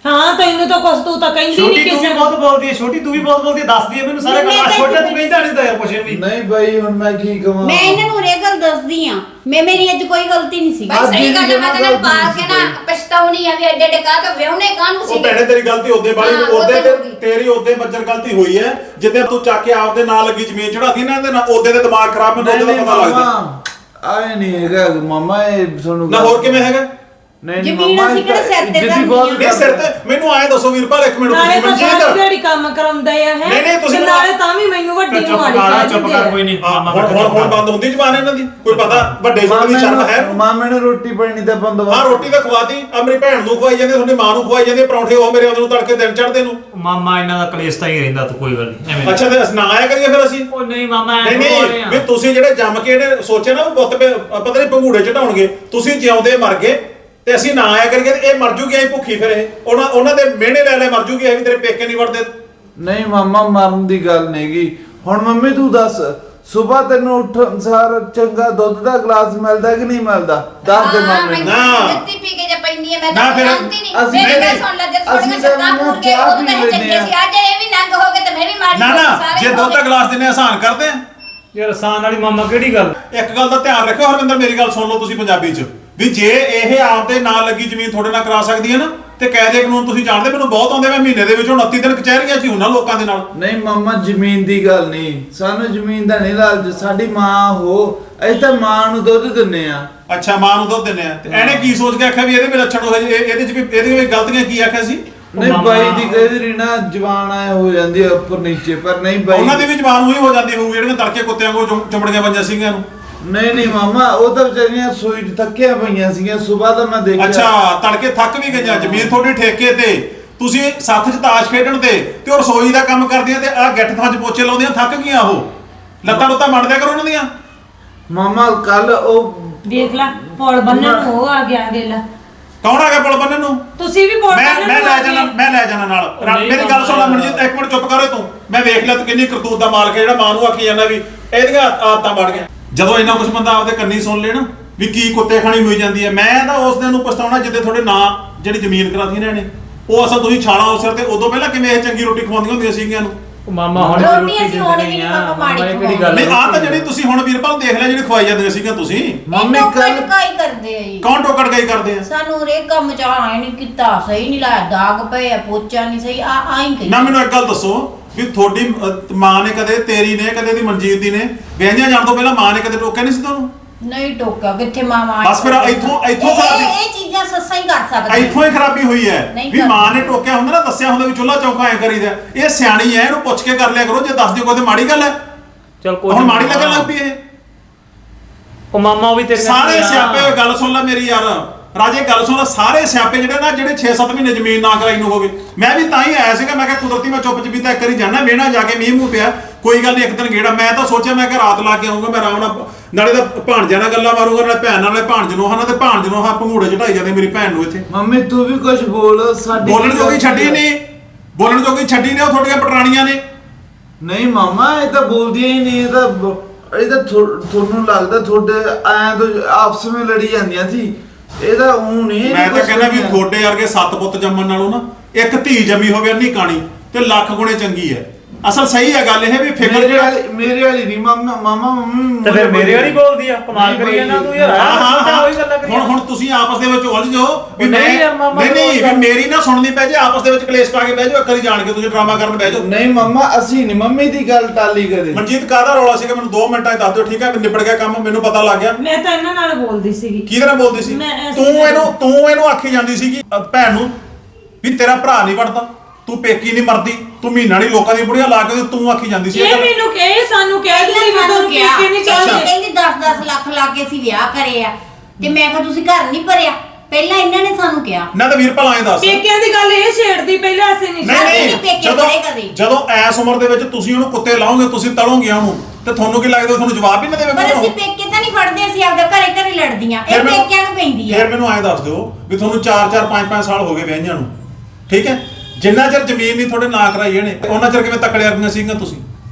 A: ਹਾਂ ਤੈਨੂੰ ਤਾਂ ਕੁਛ ਤੂੰ ਤਾਂ ਕਹਿੰਦੀ
D: ਛੋਟੀ
A: ਨਹੀਂ
D: ਤੂੰ
A: ਕਿਸੇ
D: ਵੀ
A: ਨੂੰ।
D: ਬਹੁਤ ਬੋਲਦੀ ਹੈ ਛੋਟੀ ਤੂੰ ਵੀ ਬਹੁਤ ਬੋਲਦੀ ਹੈ ਦੱਸਦੀ ਹੈ ਮੈਨੂੰ ਸਾਰੇ
B: ਮੈਂ
D: ਗੱਲ
B: ਤਾਂ
D: ਛੋਟਾ ਤੂੰ
B: ਇੱਕ
D: ਕਹਿੰਦਾ ਨਹੀਂ ਤਾਂ ਯਾਰ ਕੁਛ ਵੀ
E: ਨਹੀਂ ਬਾਈ ਹੁਣ ਮੈਂ ਕੀ ਕਵਾਂ
B: ਮੈਂ ਇਹਨਾਂ ਨੂੰ ਇਹ ਗੱਲ ਦੱਸਦੀ ਆ ਮੈਂ ਮੇਰੀ ਅੱਜ ਕੋਈ ਗਲਤੀ ਨਹੀਂ ਸੀ
E: ਅੱਜ
B: ਸਹੀ ਗੱਲ
E: ਦੀ
B: ਹੈ, ਮੈਂ ਤਾਂ
E: ਜਮਾਂ
B: ਪਾ
E: ਗਲਤੀ
B: ਕੇ ਨਾ
E: ਸੀ।
B: ਪਛਤਾਉਣੀ ਆ ਵੀ ਐਡੇ ਐਡੇ ਕਾ ਤਾਂ ਵਿਆਹਣੇ ਕਾਹਨੂੰ ਸੀ
C: ਉਹ ਭੈਣੇ ਤੇਰੀ ਗਲਤੀ ਉਹਦੇ ਬਾਈ
B: ਹਾਂ,
C: ਉਹਦੇ
B: ਉਹਦੇ
C: ਤੇ
B: ਹੋ ਗਈ।
C: ਤੇਰੀ ਉਹਦੇ ਬੱਜਰ ਗਲਤੀ ਹੋਈ ਹੈ ਜਿੱਦੇ ਤੂੰ ਚੱਕ ਕੇ ਆਪਦੇ ਨਾਲ ਲੱਗੀ ਜ਼ਮੀਨ ਚੜਾਦੀ ਨਾ ਇਹਦੇ ਨਾਲ ਉਹਦੇ ਦੇ ਦਿਮਾਗ ਖਰਾਬ ਮੈਨੂੰ ਉਹਦੇ ਦਾ ਪਤਾ ਲੱਗਦਾ
E: ਆਏ ਨਹੀਂ ਹੈਗਾ ਮਾਮਾ ਇਹ ਤੁਹਾਨੂੰ
C: ਨਾ ਹੋਰ ਕਿਵੇਂ ਹੈਗਾ
E: ਨਹੀਂ ਨਹੀਂ
B: ਜ਼ਮੀਨ
E: ਮਾਮਾ
B: ਅਸੀਂ ਕਿਹੜੇ ਸਿਰ ਤੇ
E: ਇੱਜ਼ਤ ਦੀ ਬਹੁਤ
B: ਧਰਨੀ
C: ਇਹ ਸਿਰ ਤੇ ਮੈਨੂੰ ਆਏ ਦੱਸੋ ਵੀਰਪਾਲ ਇੱਕ ਮਿੰਟ
A: ਨਾਲੇ
C: ਤੁਸੀਂ
A: ਤਾਂ ਸਾਰੀ
C: ਮਨਜੀਤ
A: ਦਿਹਾੜੀ ਕੰਮ ਕਰਾਉਂਦੇ ਆ ਹੈ
C: ਨਹੀਂ, ਨਹੀਂ, ਤੁਸੀਂ
A: ਤੇ ਨਾਲੇ ਤਾਂ ਵੀ ਮੈਨੂੰ ਵੱਡੀ ਨੂੰ
D: ਚੁੱਪ
A: ਮਾੜੀ
D: ਕਰ
A: ਕਹਿ
D: ਚੁੱਪ
A: ਦਿੰਦੇ
D: ਕਰ
A: ਆ।
D: ਕੋਈ ਨਹੀਂ
C: ਹਾਂ,
D: ਮਾਮਾ
C: ਹੁਣ ਹੁਣ ਹੁਣ ਬੰਦ ਹੁੰਦੀ ਜ਼ਬਾਨ ਇਹਨਾਂ ਦੀ ਕੋਈ ਪਤਾ ਵੱਡੇ ਛੋਟੇ ਦੀ ਸ਼ਰਮ ਹੈ
E: ਮਾਮੇ ਨੂੰ ਰੋਟੀ ਪਾਣੀ ਦਾ ਬੰਦੋਬਸਤ
C: ਹਾਂ ਰੋਟੀ ਤਾਂ ਖਵਾਤੀ ਆ ਮੇਰੀ ਭੈਣ ਨੂੰ ਖਵਾਈ ਜਾਂਦੇ ਤੁਹਾਡੀ ਮਾਂ ਨੂੰ ਖਵਾਈ ਜਾਂਦੇ ਪਰੌਂਠੇ ਉਹ ਮੇਰੇ ਉਹਨੂੰ ਤੜਕੇ ਦਿਨ ਚੜਦੇ ਨੂੰ
D: ਮਾਮਾ ਇਹਨਾਂ ਦਾ ਕਲੇਸ਼ ਤਾਂ ਹੀ ਰਹਿੰਦਾ ਤੂੰ ਕੋਈ ਗੱਲ ਨਹੀਂ ਐਵੇਂ
C: ਅੱਛਾ ਤੇ ਅਸੀਂ ਨਾ ਆਇਆ ਕਰੀਏ ਫਿਰ ਅਸੀਂ
D: ਉਹ ਨਹੀਂ ਮਾਮਾ ਐਂ
C: ਨਹੀਂ
D: ਬੋਲ ਰਹੇ
C: ਨਹੀਂ
D: ਆ।
C: ਵੀ ਤੁਸੀਂ ਜਿਹੜੇ ਜੰਮ ਕੇ ਇਹਨੇ ਸੋਚਿਆ ਨਾ ਵੀ ਪੁੱਤ ਪੇ- ਪਤਾ ਨਹੀਂ ਭੰਗੂੜੇ ਚੜਾਉਣਗੇ ਤੁਸੀਂ ਜਿਉਂਦੇ ਮਰ ਗਏ ਤੇ ਅਸੀਂ ਨਾ ਆਇਆ ਕਰੀਏ ਤੇ ਇਹ ਮਰ ਜੂਗੀ ਐ ਭੁੱਖੀ ਫਿਰ ਇਹ ਉਹਨਾਂ ਉਹਨਾਂ ਦੇ ਮਿਹਣੇ ਲੈ ਲੈ ਮਰ ਜੂਗੀ ਐ ਵੀ ਤੇਰੇ ਪੇਕੇ ਨਹੀਂ ਵੜਦੇ
E: ਨਹੀਂ ਮਾਮਾ ਮਰਨ ਦੀ ਗੱਲ ਨਹੀਂਗੀ ਹੁਣ ਮੰਮੀ ਤੂੰ ਦੱਸ ਸਵੇਰ ਤੈਨੂੰ ਉੱਠਣ ਸਾਰ ਚੰਗਾ ਦੁੱਧ ਦਾ ਗਲਾਸ ਮਿਲਦਾ ਕਿ ਨਹੀਂ ਮਿਲਦਾ ਦੱਸ ਦੇ ਮਾਮੇ ਨੂੰ।
C: ਨਾ।
B: ਜੱਤੀ ਪੀ ਕੇ ਜੇ ਪੈਣੀ ਹੈ ਮੈਂ
C: ਨਾ
B: ਤਾਂ
C: ਫਿਰ
B: ਜਾਣਦੀ ਨਹੀਂ
E: ਅਸੀਂ
B: ਮੇਰੀ ਗੱਲ
C: ਨਹੀਂ,
B: ਸੁਣ ਲੈ ਜੇ
E: ਅਸੀਂ
B: ਥੋੜੀਆਂ
E: ਤਾਂ
B: ਸ਼ੱਕਾਂ ਪੂਰ ਕੇ
E: ਚਾਹ
B: ਉਦੋਂ ਤਾਂ
E: ਪੀ
B: ਚੰਗੇ
E: ਲੈਂਦੇ
B: ਸੀ ਅੱਜ ਇਹ ਵੀ ਨੰਗ ਹੋ ਗਏ ਤੇ ਮੈਂ ਵੀ ਮਾੜੀ
C: ਨਾ
B: ਹੋ ਗਈ,
C: ਨਾ
B: ਸਾਰੇ
C: ਜੇ
B: ਹੋ
C: ਦੁੱਧ ਦਾ
B: ਗਏ।
C: ਗਲਾਸ ਦਿੰਨੇ ਆਸਾਨ ਕਰਦੇ ਆ
D: ਯਾਰ ਆਸਾਨ ਵਾਲੀ ਮਾਮਾ ਕਿਹੜੀ ਗੱਲ
C: ਇੱਕ ਗੱਲ ਦਾ ਧਿਆਨ ਰੱਖਿਓ ਹਰਵਿੰਦਰ ਮੇਰੀ ਗੱਲ ਸੁਣ ਲਓ ਤੁਸੀਂ ਪੰਜਾਬੀ ਚ ਵੀ ਜੇ ਇਹ ਆਪਦੇ ਨਾਲ ਲੱਗੀ ਜ਼ਮੀਨ ਤੁਹਾਡੇ ਨਾਲ ਕਰਾ ਸਕਦੀ ਹੈ ਨਾ ਤੇ ਕਾਇਦੇ ਕਾਨੂੰਨ ਤੁਸੀਂ ਜਾਣਦੇ ਮੈਨੂੰ ਬਹੁਤ ਆਉਂਦੇ ਮੈਂ ਮਹੀਨੇ ਦੇ ਵਿੱਚ ਉਨੱਤੀ ਦਿਨ ਕਚਹਿਰੀਆਂ 'ਚ ਹੀ ਹੁੰਨਾ ਲੋਕਾਂ ਦੇ ਨਾਲ
E: ਨਹੀਂ ਮਾਮਾ ਜ਼ਮੀਨ ਦੀ ਗੱਲ ਨਹੀਂ ਸਾਨੂੰ ਜ਼ਮੀਨ ਦਾ ਨਹੀਂ ਲਾਲਚ ਸਾਡੀ ਮਾਂ ਹੋ ਅਸੀਂ ਤਾਂ ਮਾਂ ਨੂੰ ਦੁੱਧ ਦਿੰਨੇ ਆ
C: ਅੱਛਾ ਮਾਂ ਨੂੰ ਦੁੱਧ ਦਿੰਨੇ ਆ ਤੇ ਇਹਨੇ ਕੀ ਸੋਚ ਕੇ ਆਖਿਆ ਵੀ ਇਹਦੇ ਵੀ ਲੱਛਣ ਹੋਏ ਇਹ- ਇਹਦੇ 'ਚ ਵੀ ਇਹਦੇ ਵਿੱਚ ਗਲਤੀਆਂ ਕੀ ਆਖਿਆ ਸੀ
E: ਨਹੀਂ
D: ਮਾਮਾ-
E: ਬਾਈ ਦੀ ਕਹੀ ਦੀ ਨਾ ਜਵਾਨ ਆਏ ਹੋ ਜਾਂਦੀ ਆ ਉੱਪਰ ਨੀਚੇ ਪਰ ਨਹੀਂ ਬਾਈ
C: ਉਹਨਾਂ ਦੀ ਵੀ ਜ਼ਬਾਨ ਉਹੀ ਹੋ ਜਾਂਦੀ ਹੋਊ ਜਿਹੜੀਆਂ ਤੜਕੇ ਕੁੱਤਿਆਂ ਕੋਲ ਚੁੰ- ਚੁੰਮੜੀਆਂ ਪੰਜਾਂ ਸੀਗੀਆਂ ਨੂੰ
E: ਨਹੀਂ ਨਹੀਂ ਮਾਮਾ ਉਹ ਤਾਂ ਵਿਚਾਰੀਆਂ ਸੂਈ 'ਚ ਥੱਕੀਆਂ ਪਈਆਂ ਸੀਗੀਆਂ ਸਵੇਰ ਦਾ ਮੈਂ ਦੇਖਿਆ
C: ਅੱਛਾ ਤੜਕੇ ਥੱਕ ਵੀ ਗਈਆਂ ਜ਼ਮੀਨ ਤੁਹਾਡੀ ਠੇਕੇ ਤੇ ਤੁਸੀਂ ਸੱਥ 'ਚ ਤਾਸ਼ ਖੇਡਣ ਤੇ ਤੇ ਉਹ ਰਸੋਈ ਦਾ ਕੰਮ ਕਰਦੀਆਂ ਤੇ ਆਹ ਗਿੱਠ ਥਾਂ 'ਚ ਪੋਚੇ ਲਾਉਂਦੀਆਂ ਥੱਕ ਗਈਆਂ ਉਹ ਲੱਤਾਂ ਲੁੱਤਾਂ ਮੰਡਦਿਆ ਕਰੋ ਉਹਨਾਂ ਦੀਆਂ
E: ਮਾਮਾ ਕੱਲ ਉਹ
A: ਦੇਖ ਲੈ ਪੌਲ ਬੰਨਣ ਨੂੰ ਉਹ ਆ ਗਿਆ ਵੇਲਾ
C: ਕੌਣ ਆ ਗਿਆ ਪੁਲ ਬੰਨਣ ਨੂੰ
A: ਤੁਸੀਂ ਵੀ ਪੌਲ
C: ਮੈਂ
A: ਬੰਨਣ
C: ਮੈਂ
A: ਨੂੰ
C: ਲੈ
A: ਆ
C: ਜਾਣਾ
A: ਗਏ।
C: ਮੈਂ ਲੈ ਜਾਣਾ ਨਾਲ
D: ਉਹ
C: ਰਾ-
D: ਨਹੀਂ
C: ਮੇਰੀ ਗੱਲ ਸੁਣ ਲੈ
D: ਮਾਮਾ।
C: ਮਨਜੀਤ ਇੱਕ ਮਿੰਟ ਚੁੱਪ ਕਰੋ ਤੂੰ ਮੈਂ ਵੇਖ ਲਿਆ ਤੂੰ ਕਿੰਨੀ ਕਰਤੂਤ ਦਾ ਮਾਲਕ ਹੈ ਜਿਹੜਾ ਮਾਂ ਨੂੰ ਆਖੀ ਜਾਂਦਾ ਵੀ ਇਹਦੀਆਂ ਆਦਤਾਂ ਬਣ ਗਈਆਂ ਜਦੋਂ ਇੰਨਾ ਕੁਝ ਬੰਦਾ ਆਪਦੇ ਕੰਨੀ ਸੁਣ ਲੈ ਨਾ ਵੀ ਕੀ ਕੁੱਤੇ ਖਾਣੀ ਹੋਈ ਜਾਂਦੀ ਹੈ ਮੈਂ ਤਾਂ ਉਸ ਦਿਨ ਨੂੰ ਪਛਤਾਉਣਾ ਜਿੱਦੇ ਤੁਹਾਡੇ ਨਾਂ ਜਿਹੜੀ ਜ਼ਮੀਨ ਕਰਾਤੀ ਇਹਨਾਂ ਨੇ ਉਹ ਅਸਲ ਤੁਸੀਂ ਛਾਲਾ ਉਸ ਸਿਰ ਤੇ ਉਦੋਂ ਪਹਿਲਾਂ ਕਿਵੇਂ ਇਹ ਚੰਗੀ ਰੋਟੀ ਖਵਾਉਂਦੀਆਂ ਹੁੰਦੀਆਂ ਸੀਗੀਆਂ ਨੂੰ
D: ਉਹ ਮਾਮਾ ਹੁਣ
B: ਰੋਟੀ
D: ਰੋਟੀ
B: ਅਸੀਂ
D: ਦਿੰਦੇ
B: ਹੁਣ ਵੀ
D: ਨਹੀਂ
B: ਨਹੀਂ
D: ਆ
B: ਮਾਮਾ ਮਾੜੀ
D: ਮਾਮਾ ਇਹ ਕਿਹੜੀ ਗੱਲ
C: ਨਹੀਂ
D: ਹੈ?
C: ਆਹ ਤਾਂ ਜਿਹੜੀ ਤੁਸੀਂ ਹੁਣ ਵੀਰਪਾਲ ਦੇਖ ਲਿਆ ਜਿਹੜੀ ਖਵਾਈ ਜਾਂਦੀਆਂ ਸੀਗੀਆਂ ਤੁਸੀਂ
E: ਮੰਮੀ
B: ਇਹ
E: ਕੱਲ
B: ਟਕਾਈ ਕਰਦੇ ਆ ਜੀ
C: ਕੌਣ ਟੋਕੜ ਗਈ ਕਰਦੇ ਆ
B: ਸਾਨੂੰ ਰੇ ਕੰਮ ਚ ਆਏ ਨਹੀਂ ਕੀਤਾ ਸਹੀ ਨਹੀਂ ਲਾਇਆ ਦਾਗ ਪਏ ਆ ਪੋਚਾ ਨਹੀਂ ਸਹੀ ਆ ਆਈ ਕਰੀ
C: ਨਾ ਮੈਨੂੰ ਇੱਕ ਗੱਲ ਦੱਸੋ ਵੀ ਤੁਹਾਡੀ ਅਹ, ਮਾਂ ਨੇ ਕਦੇ ਤੇਰੀ ਨੇ ਕਦੇ ਦੀ ਮਨਜੀਤ ਦੀ ਨੇ ਵਿਆਹੀਆਂ ਜਾਣ ਤੋਂ ਪਹਿਲਾਂ ਮਾਂ ਨੇ ਕਦੇ ਟੋਕਿਆ ਨਹੀਂ ਸੀ ਤੁਹਾਨੂੰ
B: ਨਹੀਂ ਟੋਕਾ ਕਿੱਥੇ ਮਾਮਾ
C: ਬਸ ਫਿਰ ਇੱਥੋਂ- ਇੱਥੋਂ
B: ਇਹ-
C: ਖਰਾਬੀ-
B: ਇਹ ਚੀਜ਼ਾਂ ਸੱਸਾਂ ਹੀ ਕਰ ਸਕਦੀਆਂ
C: ਇੱਥੋਂ ਹੀ ਖਰਾਬੀ ਹੋਈ ਹੈ
B: ਨਹੀਂ
C: ਵੀ
B: ਕਰਦੀ।
C: ਮਾਂ ਨੇ ਟੋਕਿਆ ਹੁੰਦਾ ਨਾ ਦੱਸਿਆ ਹੁੰਦਾ ਵੀ ਚੁੱਲ੍ਹਾ ਚੌਂਕਾ ਐ ਕਰੀਦਾ ਇਹ ਸਿਆਣੀ ਐ ਇਹਨੂੰ ਪੁੱਛ ਕੇ ਕਰ ਲਿਆ ਕਰੋ ਜੇ ਦੱਸ ਦਿਓ ਕੋਈ ਤੇ ਮਾੜੀ ਗੱਲ ਹੈ
D: ਚਲ ਕੋਈ
C: ਹੁਣ
D: ਨੀ
C: ਮਾੜੀ ਲੱਗਣ
D: ਮਾਮਾ।
C: ਲੱਗ ਪਈ ਇਹ
D: ਉਹ ਮਾਮਾ ਉਹ ਵੀ ਤੇਰੇ ਨਾਲ
C: ਸਾਰੇ
D: ਹੀ ਆ।
C: ਸਿਆਪੇ ਹੋਏ ਗੱਲ ਸੁਣ ਲੈ ਮੇਰੀ ਯਾਰ ਰਾਜੇ ਗੱਲ ਸੁਣ ਲੈ ਸਾਰੇ ਸਿਆਪੇ ਜਿਹੜੇ ਨਾ ਜਿਹੜੇ ਛੇ ਸੱਤ ਮਹੀਨੇ ਜ਼ਮੀਨ ਨਾ ਕਰਾਈ ਨੂੰ ਹੋਗੇ ਮੈਂ ਵੀ ਤਾਂ ਹੀ ਆਇਆ ਸੀਗਾ ਮੈਂ ਕਿਹਾ ਕੁਦਰਤੀ ਮੈਂ ਚੁੱਪ ਚਪੀਤਾ ਇੱਕ ਵਾਰੀ ਜਾਣਾ ਵੇਣਾ ਜਾ ਕੇ ਮੀਂਹ ਮੂੰਹ ਪਿਆ ਕੋਈ ਗੱਲ ਨਹੀਂ ਇੱਕ ਦਿਨ ਗੇੜਾ ਮੈਂ ਤਾਂ ਸੋਚਿਆ ਮੈਂ ਕਿ ਰਾਤ ਲਾ ਕੇ ਆਉਂਗਾ ਮੈਂ ਆਰਾਮ ਨਾਲ ਨਾਲੇ ਤਾਂ ਭਾਣਜਿਆਂ ਨਾਲ ਗੱਲਾਂ ਮਾਰੂੰਗਾ ਨਾਲੇ ਭੈਣ ਨਾਲੇ ਭਾਣਜ ਨੂੰ ਹਨਾ ਤੇ ਭਾਣਜ ਨੂੰ ਹਾਂ ਭੰਗੂੜੇ ਚੜਾਈ ਜਾਂਦੇ ਮੇਰੀ ਭੈਣ ਨੂੰ ਇੱਥੇ
E: ਮੰਮੀ ਤੂੰ ਵੀ ਕੁਝ ਬੋਲ ਸਾਡੀ
C: ਬੋਲਣ ਜੋਗੀ ਛੱਡੀ ਨਹੀਂ ਬੋਲਣ ਜੋਗੀ ਛੱਡੀ ਨੇ ਉਹ ਤੁਹਾਡੀਆਂ ਪਟਰਾਣੀਆਂ ਨੇ
E: ਨਹੀਂ ਮਾਮਾ ਇਹ ਤਾਂ ਬੋਲਦੀਆਂ ਹੀ ਨਹੀਂ ਇਹ ਤਾਂ ਬ- ਇਹ ਤਾਂ ਥੋ- ਤੁਹਾਨੂੰ ਲੱਗਦਾ ਤੁਹਾਡੇ ਐਂ ਤਾਂ ਆਪਸ ਵਿੱਚ ਲੜੀ ਜਾਂਦੀਆਂ ਸੀ ਇਹ ਤਾਂ ਉਹ ਨਹੀਂ
C: ਮੈਂ ਤਾਂ ਕਹਿੰਦਾ ਵੀ ਤੁਹਾਡੇ ਵਰਗੇ ਸੱਤ ਪੁੱਤ ਜੰਮਣ ਨਾਲੋਂ ਨਾ ਇੱਕ ਧੀ ਜੰਮੀ ਹੋਵੇ ਅੰਨੀ ਕਾਣੀ ਤੇ ਲੱਖ ਗੁਣੇ ਚੰਗੀ ਹੈ ਅਸਲ ਸਹੀ ਹੈ ਗੱਲ ਇਹ ਵੀ ਫਿਕਰ
E: ਮੇਰੇ
C: ਜਿਹੜਾ
E: ਵਾਲੀ ਮੇਰੇ ਵਾਲੀ ਨਹੀਂ ਮਾਮਾ ਮਾਮਾ ਮੰਮੀ
D: ਤੇ ਫਿਰ ਮੇਰੇ ਵਾਲੀ ਬੋਲਦੀ ਆ ਕਮਾਲ
E: ਨਹੀਂ
D: ਕਰੀ ਜਾਂਦਾ
E: ਬੋਲਦੀ।
D: ਤੂੰ ਯਾਰ
C: ਹਾਂ ਹਾਂ
D: ਹਾਂ
C: ਹਾਂ
D: ਉਹੀ ਗੱਲਾਂ ਕਰੀ
C: ਹੁਣ ਹੁਣ ਤੁਸੀਂ ਆਪਸ ਦੇ ਵਿੱਚ ਉਲਝ ਜਾਓ ਵੀ
D: ਉਹ
C: ਮੈਂ
D: ਨਹੀਂ ਯਾਰ ਮਾਮਾ
C: ਨਹੀਂ ਨਹੀਂ
D: ਗੱਲ-
C: ਵੀ ਮੇਰੀ ਨਾ ਸੁਣਨੀ ਪੈ ਜੇ ਆਪਸ ਦੇ ਵਿੱਚ ਕਲੇਸ਼ ਪਾ ਕੇ ਬਹਿ ਜਾਓ ਇੱਕ ਵਾਰੀ ਜਾਣ ਕੇ ਤੁਸੀਂ ਡਰਾਮਾ ਕਰਨ ਬਹਿ ਜਾਓ
E: ਨਹੀਂ ਮਾਮਾ ਅਸੀਂ ਨਹੀਂ ਮੰਮੀ ਦੀ ਗੱਲ ਟਾਲੀ ਕਦੇ
C: ਮਨਜੀਤ ਕਾਹਦਾ ਰੌਲਾ ਸੀਗਾ ਮੈਨੂੰ ਦੋ ਮਿੰਟਾਂ 'ਚ ਦੱਸ ਦਿਓ ਠੀਕ ਹੈ ਨਿਬੜ ਗਿਆ ਕੰਮ ਮੈਨੂੰ ਪਤਾ ਲੱਗ ਗਿਆ
A: ਮੈਂ ਤਾਂ ਇਹਨਾਂ ਨਾਲ ਬੋਲਦੀ ਸੀਗੀ
C: ਕਿਹਦੇ ਨਾਲ ਬੋਲਦੀ ਸੀ
A: ਮੈਂ ਐਸੇ
C: ਤੂੰ
A: ਨਾਲ-
C: ਇਹਨੂੰ ਤੂੰ ਇਹਨੂੰ ਆਖੀ ਜਾਂਦੀ ਸੀਗੀ ਅ, ਭੈਣ ਨੂੰ ਵੀ ਤੇਰਾ ਭਰਾ ਨਹੀਂ ਵੜਦਾ ਤੂੰ ਪੇਕੀ ਨਹੀਂ ਮਰਦੀ ਤੂੰ ਮਹੀਨਾ ਨਹੀਂ ਲੋਕਾਂ ਦੀਆਂ ਬੁੜੀਆਂ ਲਾ ਕੇ ਤੇ ਤੂੰ ਆਖੀ ਜਾਂਦੀ ਸੀ ਇਹ
A: ਇਹ
C: ਗੱਲ।
A: ਮੈਨੂੰ ਕਹੇ ਸਾਨੂੰ ਕਹਿ ਦਿੰਦੀ ਮੈਂ ਤੁਹਾਨੂੰ
B: ਕਿਹਾ
A: ਪੇਕੇ ਨਹੀਂ
C: ਅੱਛਾ।
A: ਚਾਹੁੰਦੀ
B: ਕਹਿੰਦੀ ਦਸ ਦਸ ਲੱਖ ਲਾ ਕੇ ਅਸੀਂ ਵਿਆਹ ਕਰੇ ਆ ਤੇ ਮੈਂ ਕਿਹਾ ਤੁਸੀਂ ਘਰ ਨਹੀਂ ਭਰਿਆ ਪਹਿਲਾਂ ਇਹਨਾਂ ਨੇ ਸਾਨੂੰ ਕਿਹਾ
C: ਨਾ ਤਾਂ ਵੀਰਪਾਲ ਆਏ ਦੱਸ
A: ਪੇਕਿਆਂ ਦੀ ਗੱਲ ਇਹ ਛੇੜਦੀ ਪਹਿਲਾਂ ਅਸੀਂ ਨਹੀਂ
C: ਨਹੀਂ
B: ਅਸੀਂ
C: ਨਹੀਂ
B: ਨੀ ਪੇਕੇ
C: ਜਦੋਂ
B: ਖੜੇ ਕਦੇ।
C: ਜਦੋਂ ਐਸ ਉਮਰ ਦੇ ਵਿੱਚ ਤੁਸੀਂ ਉਹਨੂੰ ਕੁੱਤੇ ਲਾਓਗੇ ਤੁਸੀਂ ਤਲੋਗੇ ਉਹਨੂੰ ਤੇ ਤੁਹਾਨੂੰ ਕੀ ਲੱਗਦਾ ਤੁਹਾਨੂੰ ਜਵਾਬ ਹੀ ਨਾ ਦੇਵੇ
B: ਪਰ
C: ਕੋਈ
B: ਅਸੀਂ
C: ਉਹ?
B: ਪੇਕੇ ਤਾਂ ਨਹੀਂ ਫੜਦੇ ਅਸੀਂ ਆਪਦਾ ਘਰੇ ਘਰੇ ਲੜਦੀਆਂ
C: ਫਿਰ
B: ਇਹ
C: ਮੈਨੂੰ-
B: ਪੇਕਿਆਂ ਨੂੰ ਪੈਂਦੀ ਆ
C: ਫਿਰ ਮੈਨੂੰ ਐਂ ਦੱਸ ਦਿਓ ਵੀ ਤੁਹਾਨੂੰ ਚਾਰ ਚਾਰ ਪੰਜ ਪੰਜ ਸਾਲ ਹੋ ਗਏ ਵਿਆਹੀਆਂ ਨੂੰ ਠੀਕ ਹੈ ਜਿੰਨਾ ਚਿਰ ਜ਼ਮੀਨ ਨਹੀਂ ਤੁਹਾਡੇ ਨਾਂ ਕਰਾਈ ਇਹਨੇ ਉਹਨਾਂ ਚਿਰ ਕਿਵੇਂ ਤਕੜੇ ਵਰਗੀਆਂ ਸੀਗੀਆਂ ਤੁਸੀਂ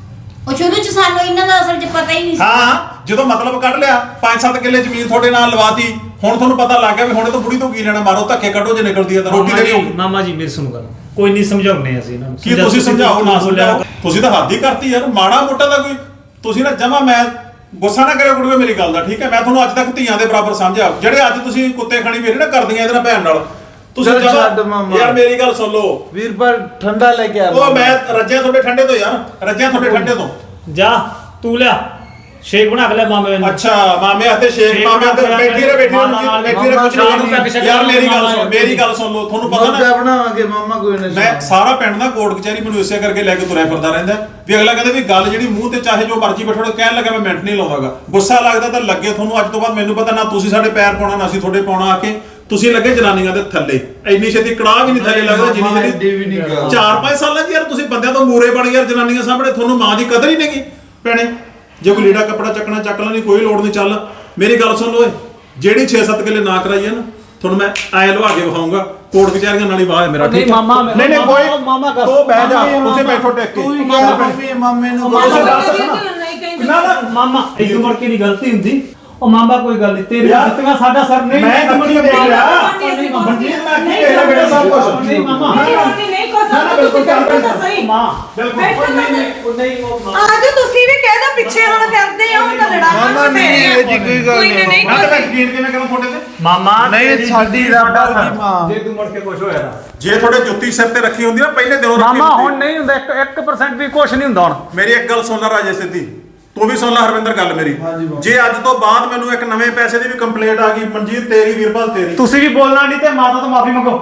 B: ਉਹ ਸ਼ੁਰੂ ਚ ਸਾਨੂੰ ਇਹਨਾਂ ਦਾ ਅਸਲ ਚ ਪਤਾ ਹੀ ਨਹੀਂ ਸੀ।
C: ਹਾਂ ਜਦੋਂ ਮਤਲਬ ਕੱਢ ਲਿਆ ਪੰਜ ਸੱਤ ਕਿੱਲੇ ਜ਼ਮੀਨ ਤੁਹਾਡੇ ਨਾਲ ਲਵਾਤੀ, ਹੁਣ ਤੁਹਾਨੂੰ ਪਤਾ ਲੱਗ ਗਿਆ ਵੀ ਹੁਣੇ ਤੋਂ ਬੁੜੀ ਤੋਂ ਕੀ ਲੈਣਾ, ਮਾਰੋ ਧੱਕੇ ਕੱਢੋ ਜੇ ਨਿਕਲਦੀ ਹੈ ਤਾਂ ਰੋਟੀ
D: ਮਾਮਾ
C: ਦੇਣੀ
D: ਜੀ
C: ਹੋਊਗੀ।
D: ਮਾਮਾ ਜੀ ਮੇਰੀ ਸੁਣੋ ਗੱਲ, ਕੋਈ ਨਹੀਂ ਸਮਝਾਉਣੇ ਅਸੀਂ ਇਹਨਾਂ ਨੂੰ।
C: ਕੀ ਤੁਸੀਂ ਸਮਝਾਓ ਨਾ ਸਮਝਾਓ, ਤੁਸੀਂ ਤਾਂ ਹੱਦ ਹੀ ਕਰਤੀ ਯਾਰ, ਮਾੜਾ ਮੋਟਾ ਦਾ ਕੋਈ ਤੁਸੀਂ ਨਾ ਜਮਾ, ਮੈਂ ਗੁੱਸਾ ਨਾ ਕਰਿਓ ਕੁੜੀਓ ਮੇਰੀ ਗੱਲ ਦਾ, ਠੀਕ ਹੈ? ਮੈਂ ਤੁਹਾਨੂੰ ਅੱਜ ਤੱਕ ਧੀਆਂ ਦੇ ਬਰਾਬਰ ਸਮਝਿਆ, ਜਿਹੜੇ ਅੱਜ ਤੁਸੀਂ ਕੁੱਤੇ ਖਾਣੀ ਮੇਰੇ ਨਾ ਕਰਦੀਆਂ ਇਹਦੇ ਨਾਲ ਭੈਣ ਨਾਲ, ਤੁਸੀਂ
E: ਚੱਲ ਛੱਡ
C: ਜਮਾਂ-
E: ਮਾਮਾ।
C: ਯਾਰ ਮੇਰੀ ਗੱਲ ਸੁਣ ਲਓ,
E: ਵੀਰਪਾਲ ਠੰਡਾ ਲੈ ਕੇ ਆ।
C: ਉਹ ਮੈਂ ਰੱਜਿਆ ਤੁਹਾਡੇ ਠੰਡੇ ਤੋਂ ਯਾਰ, ਰੱਜਿਆ ਤੁਹਾਡੇ ਠੰਡੇ ਤੋਂ।
D: ਜਾ ਤੂੰ ਲਿਆ ਸ਼ੇਕ ਬਣਾ ਕੇ ਲੈ ਮਾਮੇ ਨੂੰ।
C: ਅੱਛਾ ਮਾਮੇ ਹੱਥੇ ਸ਼ੇਖ,
D: ਸ਼ੇਖ
C: ਮਾਮੇ ਹੱਥੇ
D: ਬਣਾ ਕੇ
C: ਬੈਠੀ ਰਹੇ ਬੈਠੀ
D: ਮਾਮਾ ਨਾਲ
C: ਰਹੇ ਬੈਠੀ ਰਹੇ ਕੁਝ
D: ਮਾਮਾ ਨੂੰ
C: ਨਹੀਂ। ਯਾਰ ਮੇਰੀ ਗੱਲ ਸੁਣ, ਮੇਰੀ ਗੱਲ ਸੁਣ ਲਓ, ਤੁਹਾਨੂੰ ਪਤਾ
E: ਮੌਜਾ
C: ਨਾ
E: ਬਣਾਵਾਂਗੇ ਮਾਮਾ, ਕੋਈ ਨਾ।
C: ਮੈਂ ਸਾਰਾ ਪਿੰਡ ਦਾ ਕੋਰਟ ਕਚਹਿਰੀ ਮੈਨੂੰ ਇਸੇ ਕਰਕੇ ਲੈ ਕੇ ਤੁਰਿਆ ਫਿਰਦਾ ਰਹਿੰਦਾ ਵੀ ਅਗਲਾ ਕਹਿੰਦਾ ਵੀ ਗੱਲ ਜਿਹੜੀ ਮੂੰਹ ਤੇ ਚਾਹੇ ਜੋ ਮਰਜ਼ੀ ਬੈਠੋ, ਕਹਿਣ ਲੱਗਾ ਮੈਂ ਮਿੰਟ ਨਹੀਂ ਲਾਉਂਦਾਗਾ, ਗੁੱਸਾ ਲੱਗਦਾ ਤਾਂ ਲੱਗੇ ਤੁਹਾਨੂੰ। ਅੱਜ ਤੋਂ ਬਾਅਦ ਮੈਨੂੰ ਪਤਾ ਨਾ ਤੁਸੀਂ ਸਾਡੇ ਪੈਰ ਪਾਉਣਾ ਨਾ ਅਸੀਂ ਤੁਹਾਡੇ ਪਾਉਣਾ ਆ ਕੇ, ਤੁਸੀਂ ਲੱਗੇ ਜਨਾਨੀਆਂ ਦੇ ਥੱਲੇ, ਇੰਨੀ ਛੇਤੀ ਕੜਾਹ ਵੀ ਨਹੀਂ ਥੱਲੇ ਲੱਗਦਾ ਜਿੰਨੀ ਜਿਹੜੀ
E: ਵੀ ਨਹੀਂ ਗੱਲ।
C: ਚਾਰ ਪੰਜ ਸਾਲਾਂ 'ਚ ਯਾਰ ਤੁਸੀਂ ਬੰਦਿਆਂ ਤੋਂ ਮੂਰੇ ਬਣ ਗਏ ਯਾਰ, ਜਨਾਨੀਆਂ ਸਾਹਮਣੇ ਤੁਹਾਨੂੰ ਮਾਂ ਦੀ ਕਦਰ ਹੀ ਨਹੀਂਗੀ ਭੈਣੇ। ਜੇ ਕੋਈ ਲੀੜਾ ਕੱਪੜਾ ਚੱਕਣਾ ਚੱਕ ਲੈਣੀ, ਕੋਈ ਲੋੜ ਨਹੀਂ। ਚੱਲ ਮੇਰੀ ਗੱਲ ਸੁਣ ਲਓ, ਜਿਹੜੀ ਛੇ ਸੱਤ ਕਿੱਲੇ ਨਾ ਕਰਾਈ ਹੈ ਨਾ, ਤੁਹਾਨੂੰ ਮੈਂ ਐ ਲਵਾ ਕੇ ਵਿਖਾਉਂਗਾ ਕੋਰਟ ਕਚਹਿਰੀਆਂ ਨਾਲ ਹੀ ਵਾਹ ਹੈ ਮੇਰਾ,
D: ਨਹੀਂ
C: ਠੀਕ ਹੈ?
D: ਮਾਮਾ,
C: ਨਹੀਂ ਨਹੀਂ ਕੋਈ
D: ਮਾਮਾ ਕਰ
C: ਤੂੰ ਬਹਿ ਜਾ, ਤੁਸੀਂ ਬੈਠੋ ਟਿਕ ਕੇ।
E: ਤੂੰ ਹੀ ਕਹਿ ਮੰਮੀ ਮਾਮੇ ਨੂੰ
A: ਮਾਮਾ
E: ਬੋਲ।
C: ਦੱਸ
A: ਕਹਿੰਦੀ
C: ਨਾ।
A: ਹੁਣ ਨਹੀਂ ਕਹਿੰਦੀ।
C: ਨਾ ਨਾ
D: ਮਾਮਾ ਇੱਕ ਮੁੜ ਕੇ ਦੀ ਗਲਤੀ ਹੁੰਦੀ। ਉਹ ਮਾਮਾ ਕੋਈ ਗੱਲ ਨਹੀਂ, ਤੇਰੀ
C: ਯਾਰ,
D: ਦਿੱਤੀਆਂ ਸਾਡਾ ਸਰ ਨਹੀਂ।
C: ਮੈਂ ਕਿੱਥੇ ਦੇਖ ਲਿਆ?
D: ਨਹੀਂ ਮਾਮਾ,
C: ਮਨਜੀਤ ਮੈਂ ਕੀ ਕਹਿ ਰਿਹਾ ਬੇਟਾ ਸਭ ਕੁਝ।
D: ਨਹੀਂ ਮਾਮਾ,
A: ਨਹੀਂ ਨਹੀਂ ਨਹੀਂ ਕੋਈ
C: ਨਾ, ਨਾ, ਬਿਲਕੁਲ ਚੱਲ
A: ਤਾਂ
C: ਪੈਂਦਾ।
A: ਸਹੀ।
D: ਮਾਂ
C: ਬਿਲਕੁਲ
A: ਬੈਠੋ ਤਾਂ ਸਹੀ।
D: ਉਹ ਨਹੀਂ ਉਹ ਮਾਂ
A: ਅੱਜ ਤੁਸੀਂ ਵੀ ਕਹਿ ਦੋ ਪਿੱਛੇ ਹੁਣ ਫਿਰਦੇ ਆ, ਉਹ ਤਾਂ ਲੜਾਈ
E: ਮਾਮਾ ਨਹੀਂ, ਇਹ ਜੀ ਕੋਈ ਗੱਲ ਨਹੀਂ।
A: ਨਹੀਂ
C: ਮੈਂ ਤਾਂ ਮੈਂ ਯਕੀਨ ਕਿਵੇਂ ਕਰਾਂ ਤੁਹਾਡੇ ਤੇ?
D: ਮਾਮਾ
E: ਨਹੀਂ,
D: ਤੇਰੀ
E: ਸਾਡੀ
D: ਜੁੱਤੀ
E: ਰੱਬ
D: ਸਾਡਾ
E: ਵਰਗੀ
D: ਸਰ।
E: ਮਾਂ।
D: ਜੇ ਤੂੰ ਮੁੜ ਕੇ ਕੁਝ ਹੋਇਆ ਤਾਂ
C: ਜੇ ਤੁਹਾਡੇ ਜੁੱਤੀ ਸਿਰ ਤੇ ਰੱਖੀ ਹੁੰਦੀ ਨਾ ਪਹਿਲੇ ਦਿਨੋਂ ਰੱਖੀ
D: ਮਾਮਾ
C: ਹੁੰਦੀ।
D: ਹੁਣ ਨਹੀਂ ਹੁੰਦਾ, ਇੱਕ ਪਰਸੈਂਟ ਵੀ ਕੁਝ ਨਹੀਂ ਹੁੰਦਾ ਹੁਣ।
C: ਮੇਰੀ ਇੱਕ ਗੱਲ ਸੁਣ ਲੈ ਰਾਜੇ ਸਿੱਧੀ, ਤੂੰ ਵੀ ਸੁਣ ਲੈ ਹਰਵਿੰਦਰ ਗੱਲ ਮੇਰੀ।
E: ਹਾਂਜੀ ਬਾਬਾ।
C: ਜੇ ਅੱਜ ਤੋਂ ਬਾਅਦ ਮੈਨੂੰ ਇੱਕ ਨਵੇਂ ਪੈਸੇ ਦੀ ਵੀ ਕੰਪਲੇਂਟ ਆ ਗਈ, ਮਨਜੀਤ ਤੇਰੀ ਵੀਰਪਾਲ ਤੇਰੀ,
D: ਤੁਸੀਂ ਵੀ ਬੋਲਣਾ ਨਹੀਂ ਤੇ ਮਾਤਾ ਤੋਂ ਮਾਫੀ ਮੰਗੋ।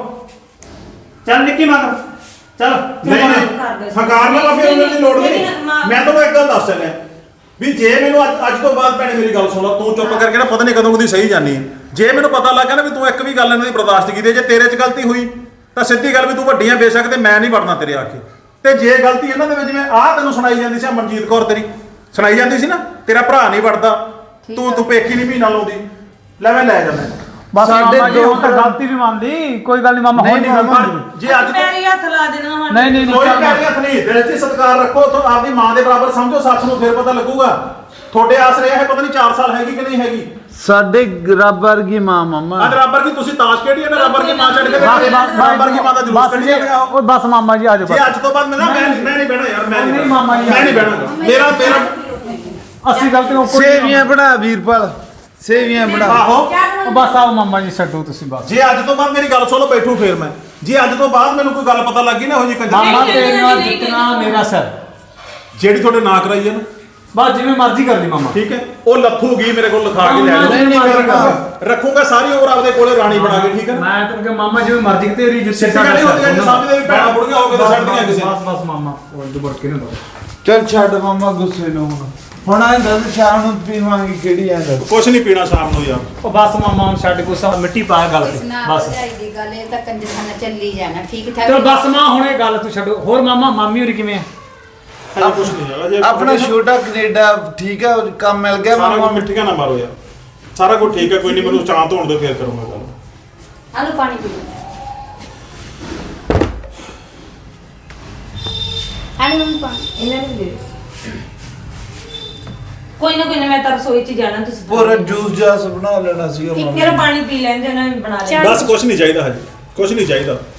D: ਚੱਲ ਨਿੱਕੀ ਮਾਤਾ ਚੱਲ ਤੂੰ
C: ਨਹੀਂ
D: ਬੋਲ।
C: ਨਹੀਂ ਹੰਕਾਰ ਨਾਲ ਮਾਫੀ ਮੰਗਣ ਦੀ ਲੋੜ ਨਹੀਂ। ਮੈਂ ਤੁਹਾਨੂੰ ਇੱਕ ਗੱਲ ਦੱਸ ਚੱਲਿਆ ਵੀ ਜੇ ਮੈਨੂੰ ਅੱਜ ਅੱਜ ਤੋਂ ਬਾਅਦ ਭੈਣੇ ਮੇਰੀ ਗੱਲ ਸੁਣ ਲਾ, ਤੂੰ ਚੁੱਪ ਕਰਕੇ ਨਾ ਪਤਾ ਨਹੀਂ ਕਦੋਂ ਕਦੀ ਸਹੀ ਜਾਨੀ ਹੈ। ਜੇ ਮੈਨੂੰ ਪਤਾ ਲੱਗ ਗਿਆ ਨਾ ਵੀ ਤੂੰ ਇੱਕ ਵੀ ਗੱਲ ਇਹਨਾਂ ਦੀ ਬਰਦਾਸ਼ਤ ਕੀਤੀ, ਜੇ ਤੇਰੇ 'ਚ ਗਲਤੀ ਹੋਈ ਤਾਂ ਸਿੱਧੀ ਗੱਲ ਵੀ ਤੂੰ ਵੱਡੀਆਂ ਬੇਸ਼ੱਕ ਤੇ ਮੈਂ ਨਹੀਂ ਵੜਨਾ ਤੇਰੇ ਆਖੇ। ਤੇ ਜੇ ਗਲਤੀ ਇਹਨਾਂ ਦੇ ਵਿੱਚ, ਜਿਵੇਂ ਆਹ ਤੈਨੂੰ ਸੁਣਾਈ ਜਾਂਦੀ ਸੀ ਆਹ ਮਨਜੀਤ ਕੌਰ ਤੇਰੀ ਸੁਣਾਈ ਜਾਂਦੀ ਸੀ ਨਾ, ਤੇਰਾ ਭਰਾ ਨਹੀਂ ਵੜਦਾ, ਤੂੰ ਤੂੰ ਪੇਕੀ ਨਹੀਂ ਮਹੀਨਾ ਲਾਉਂਦੀ, ਲੈ ਮੈਂ ਲੈ ਜਾਂਦਾ।
D: ਬਸ
E: ਸਾਡੇ
D: ਮਾਮਾ ਜੀ
E: ਦੋ
D: ਹੁਣ ਤਾਂ ਗਲਤੀ ਵੀ ਮੰਨਦੀ, ਕੋਈ ਗੱਲ ਨਹੀਂ ਮਾਮਾ
E: ਨਹੀਂ,
D: ਹੁਣ ਨਹੀਂ
E: ਨਹੀਂ,
D: ਗਲਤੀ
E: ਮਾਮਾ।
D: ਮੰਨਦੀ।
C: ਜੇ ਅੱਜ ਤੋਂ
A: ਪੈਰੀ ਹੱਥ ਲਾ ਦੇਣਾ ਹੁਣ।
D: ਨਹੀਂ ਨਹੀਂ
C: ਕੋਈ
D: ਨਹੀਂ
C: ਪੈਰੀ ਹੱਥ ਨਹੀਂ, ਦਿਲ 'ਚ ਸਤਿਕਾਰ ਰੱਖੋ, ਤੂੰ ਆਪਦੀ ਮਾਂ ਦੇ ਬਰਾਬਰ ਸਮਝੋ ਸੱਚ ਨੂੰ, ਫਿਰ ਪਤਾ ਲੱਗੂਗਾ। ਤੁਹਾਡੇ ਆਸਰੇ ਇਹ ਪਤਾ ਨਹੀਂ ਚਾਰ ਸਾਲ ਹੈਗੀ ਕਿ ਨਹੀਂ ਹੈਗੀ।
E: ਸਾਡੇ ਰੱਬ ਵਰਗੀ ਮਾਂ ਮਾਮਾ।
C: ਅੱਜ ਰੱਬਰ ਕੀ ਤੁਸੀਂ ਤਾਸ਼ ਖੇਡੀ ਹੈ ਨਾ, ਰੱਬਰ ਕੀ ਮਾਂ ਛੱਡ ਕੇ
D: ਬਸ
C: ਰੱਬਰ ਕੀ ਮਾਂ ਦਾ ਜਲੂਸ
D: ਬਸ
C: ਕੱਢੀ
D: ਜੀ,
C: ਜਾਂਦੇ ਆ।
D: ਉਹ ਬਸ ਮਾਮਾ ਜੀ ਆ ਜਾਓ
C: ਜੇ
D: ਬਸ।
C: ਅੱਜ ਤੋਂ ਬਾਅਦ ਮੈਂ ਨਾ ਮੈਂ ਮੈਂ ਨਹੀਂ ਬਹਿਣਾ ਯਾਰ, ਮੈਂ
D: ਨਹੀਂ
C: ਨਹੀਂ
D: ਮਾਮਾ ਜੀ,
C: ਮੈਂ ਨਹੀਂ ਬਹਿਣਾ। ਮੇਰਾ ਮੇਰਾ
D: ਅਸੀਂ ਗਲਤੀ ਨੂੰ ਕੋਈ
E: ਸੇਵੀਆਂ ਬਣਾ ਵੀਰਪਾਲ, ਸੇਵੀਆਂ ਬਣਾ।
C: ਆਹੋ,
D: ਉਹ ਬਸ ਆਓ ਮਾਮਾ ਜੀ ਛੱਡੋ ਤੁਸੀਂ ਬਸ।
C: ਜੇ ਅੱਜ ਤੋਂ ਬਾਅਦ ਮੇਰੀ ਗੱਲ ਸੁਣੋ, ਬੈਠੂ ਫੇਰ ਮੈਂ, ਜੇ ਅੱਜ ਤੋਂ ਬਾਅਦ ਮੈਨੂੰ ਕੋਈ ਗੱਲ ਪਤਾ ਲੱਗੀ ਨਾ ਹੋ ਜੀ ਕੰਜਰ,
D: ਮਾਮਾ
A: ਨਹੀਂ,
D: ਤੇਰੇ ਨਾਲ
A: ਨਹੀਂ,
D: ਜਿੱਤਣਾ ਮੇਰਾ ਸਰ।
C: ਜਿਹੜੀ ਤੁਹਾਡੇ ਨਾਂ ਕਰਾਈ ਹੈ ਨਾ,
D: ਬਸ ਜਿਵੇਂ ਮਰਜ਼ੀ ਕਰ ਲਈ ਮਾਮਾ।
C: ਠੀਕ ਹੈ, ਉਹ ਲੱਥੂਗੀ ਮੇਰੇ ਕੋਲ ਲਿਖਾ ਕੇ ਲੈ
D: ਨਹੀਂ,
C: ਜਾਓ।
E: ਨਹੀਂ ਕਰੂੰਗਾ।
C: ਰੱਖੂਗਾ ਸਾਰੀ ਉਮਰ ਆਪਦੇ ਕੋਲੇ ਰਾਣੀ ਬਣਾ ਕੇ, ਠੀਕ ਹੈ ਨਾ?
D: ਮੈਂ ਤੈਨੂੰ ਕਿ ਮਾਮਾ ਜਿਵੇਂ ਮਰਜ਼ੀ ਤੇਰੀ ਜੁੱਤੀ
C: ਸਿੱਧੀ ਗੱਲ ਇਹ ਹੁੰਦੀ ਹੈ, ਜੇ ਸਮਝਦੇ ਵੀ ਭੈਣਾਂ ਬੁੜੀਆਂ ਹੋ ਕੇ ਤਾਂ ਛੱਡਦੀਆਂ ਕਿਸੇ ਨੂੰ।
D: ਬਸ ਬਸ ਮਾਮਾ ਉਹ ਦੁਬੜ ਕੇ ਨਾ ਦੋ।
E: ਚੱਲ ਛੱਡ ਮਾਮਾ ਗੁੱਸੇ ਨੂੰ ਹੁਣ। ਹੁਣ ਆਂ ਦੱਸ ਸ਼ਾਮ ਨੂੰ ਪੀਵਾਂਗੇ ਕਿਹੜੀ ਆਂ ਦੱਸ।
C: ਕੁਛ ਨਹੀਂ ਪੀਣਾ ਸ਼ਾਮ ਨੂੰ ਯਾਰ।
D: ਉਹ ਬਸ ਮਾਮਾ ਹੁਣ ਛੱਡ ਗੁੱਸਾ, ਮਿੱਟੀ ਪਾ ਗੱਲ
B: ਇਸ
D: ਤੇ
B: ਨਾਲ
D: ਬਸ।
B: ਭਰਜਾਈ ਦੀ ਗੱਲ ਇਹ ਤਾਂ ਕੰਜਰਖਾਨਾ ਚੱਲੀ ਜਾਣਾ, ਠੀਕ ਠਾਕ।
D: ਚਲ ਬਸ ਮਾਂ ਹੁਣ ਇਹ ਗੱਲ ਤੂੰ ਛੱਡੋ। ਹੋਰ ਮਾਮਾ ਮਾਮੀ ਹੋਰੀ ਕਿਵੇਂ ਆ?
C: ਅਜੇ ਕੁਛ ਨਹੀਂ ਹੈਗਾ ਜੇ
E: ਆਪਣਾ ਛੋਟਾ ਕੈਨੇਡਾ ਠੀਕ ਹੈ, ਕੰਮ ਮਿਲ ਗਿਆ
C: ਸਾਰਾ
E: ਮਾਮਾ।
C: ਕੁਝ ਮਿੱਠੀਆਂ ਨਾ ਮਾਰੋ ਯਾਰ, ਸਾਰਾ ਕੁਝ ਠੀਕ ਹੈ, ਕੋਈ ਨਹੀਂ, ਮੈਨੂੰ ਚਾਹ ਧੋਣ ਦੇ ਫੇਰ ਕਰੂੰਗਾ ਗੱਲ।
B: ਆਲੂ ਪਾਣੀ ਪੀ ਲਓ। ਆਲੂ ਮੰਮੀ ਪਾਣੀ।
A: ਇਹਨਾਂ ਨੂੰ ਦੇ ਕੋਈ ਨਾ ਕੋਈ ਨਾ, ਮੈਂ ਤਾਂ ਰਸੋਈ 'ਚ ਜਾਣਾ, ਤੁਸੀਂ
E: ਪੂਰਾ ਜੂਸ ਜਾਸ ਬਣਾ ਲੈਣਾ ਸੀਗਾ
A: ਠੀਕ
E: ਮਾਮਾ।
A: ਹੈ, ਪਾਣੀ ਪੀ ਲੈਂਦੇ ਉਹਨਾਂ ਨੇ ਬਣਾ ਲਿਆ।
B: ਚੱਲ।
C: ਬਸ ਕੁਛ ਨਹੀਂ ਚਾਹੀਦਾ ਹਜੇ, ਕੁਛ ਨਹੀਂ ਚਾਹੀਦਾ।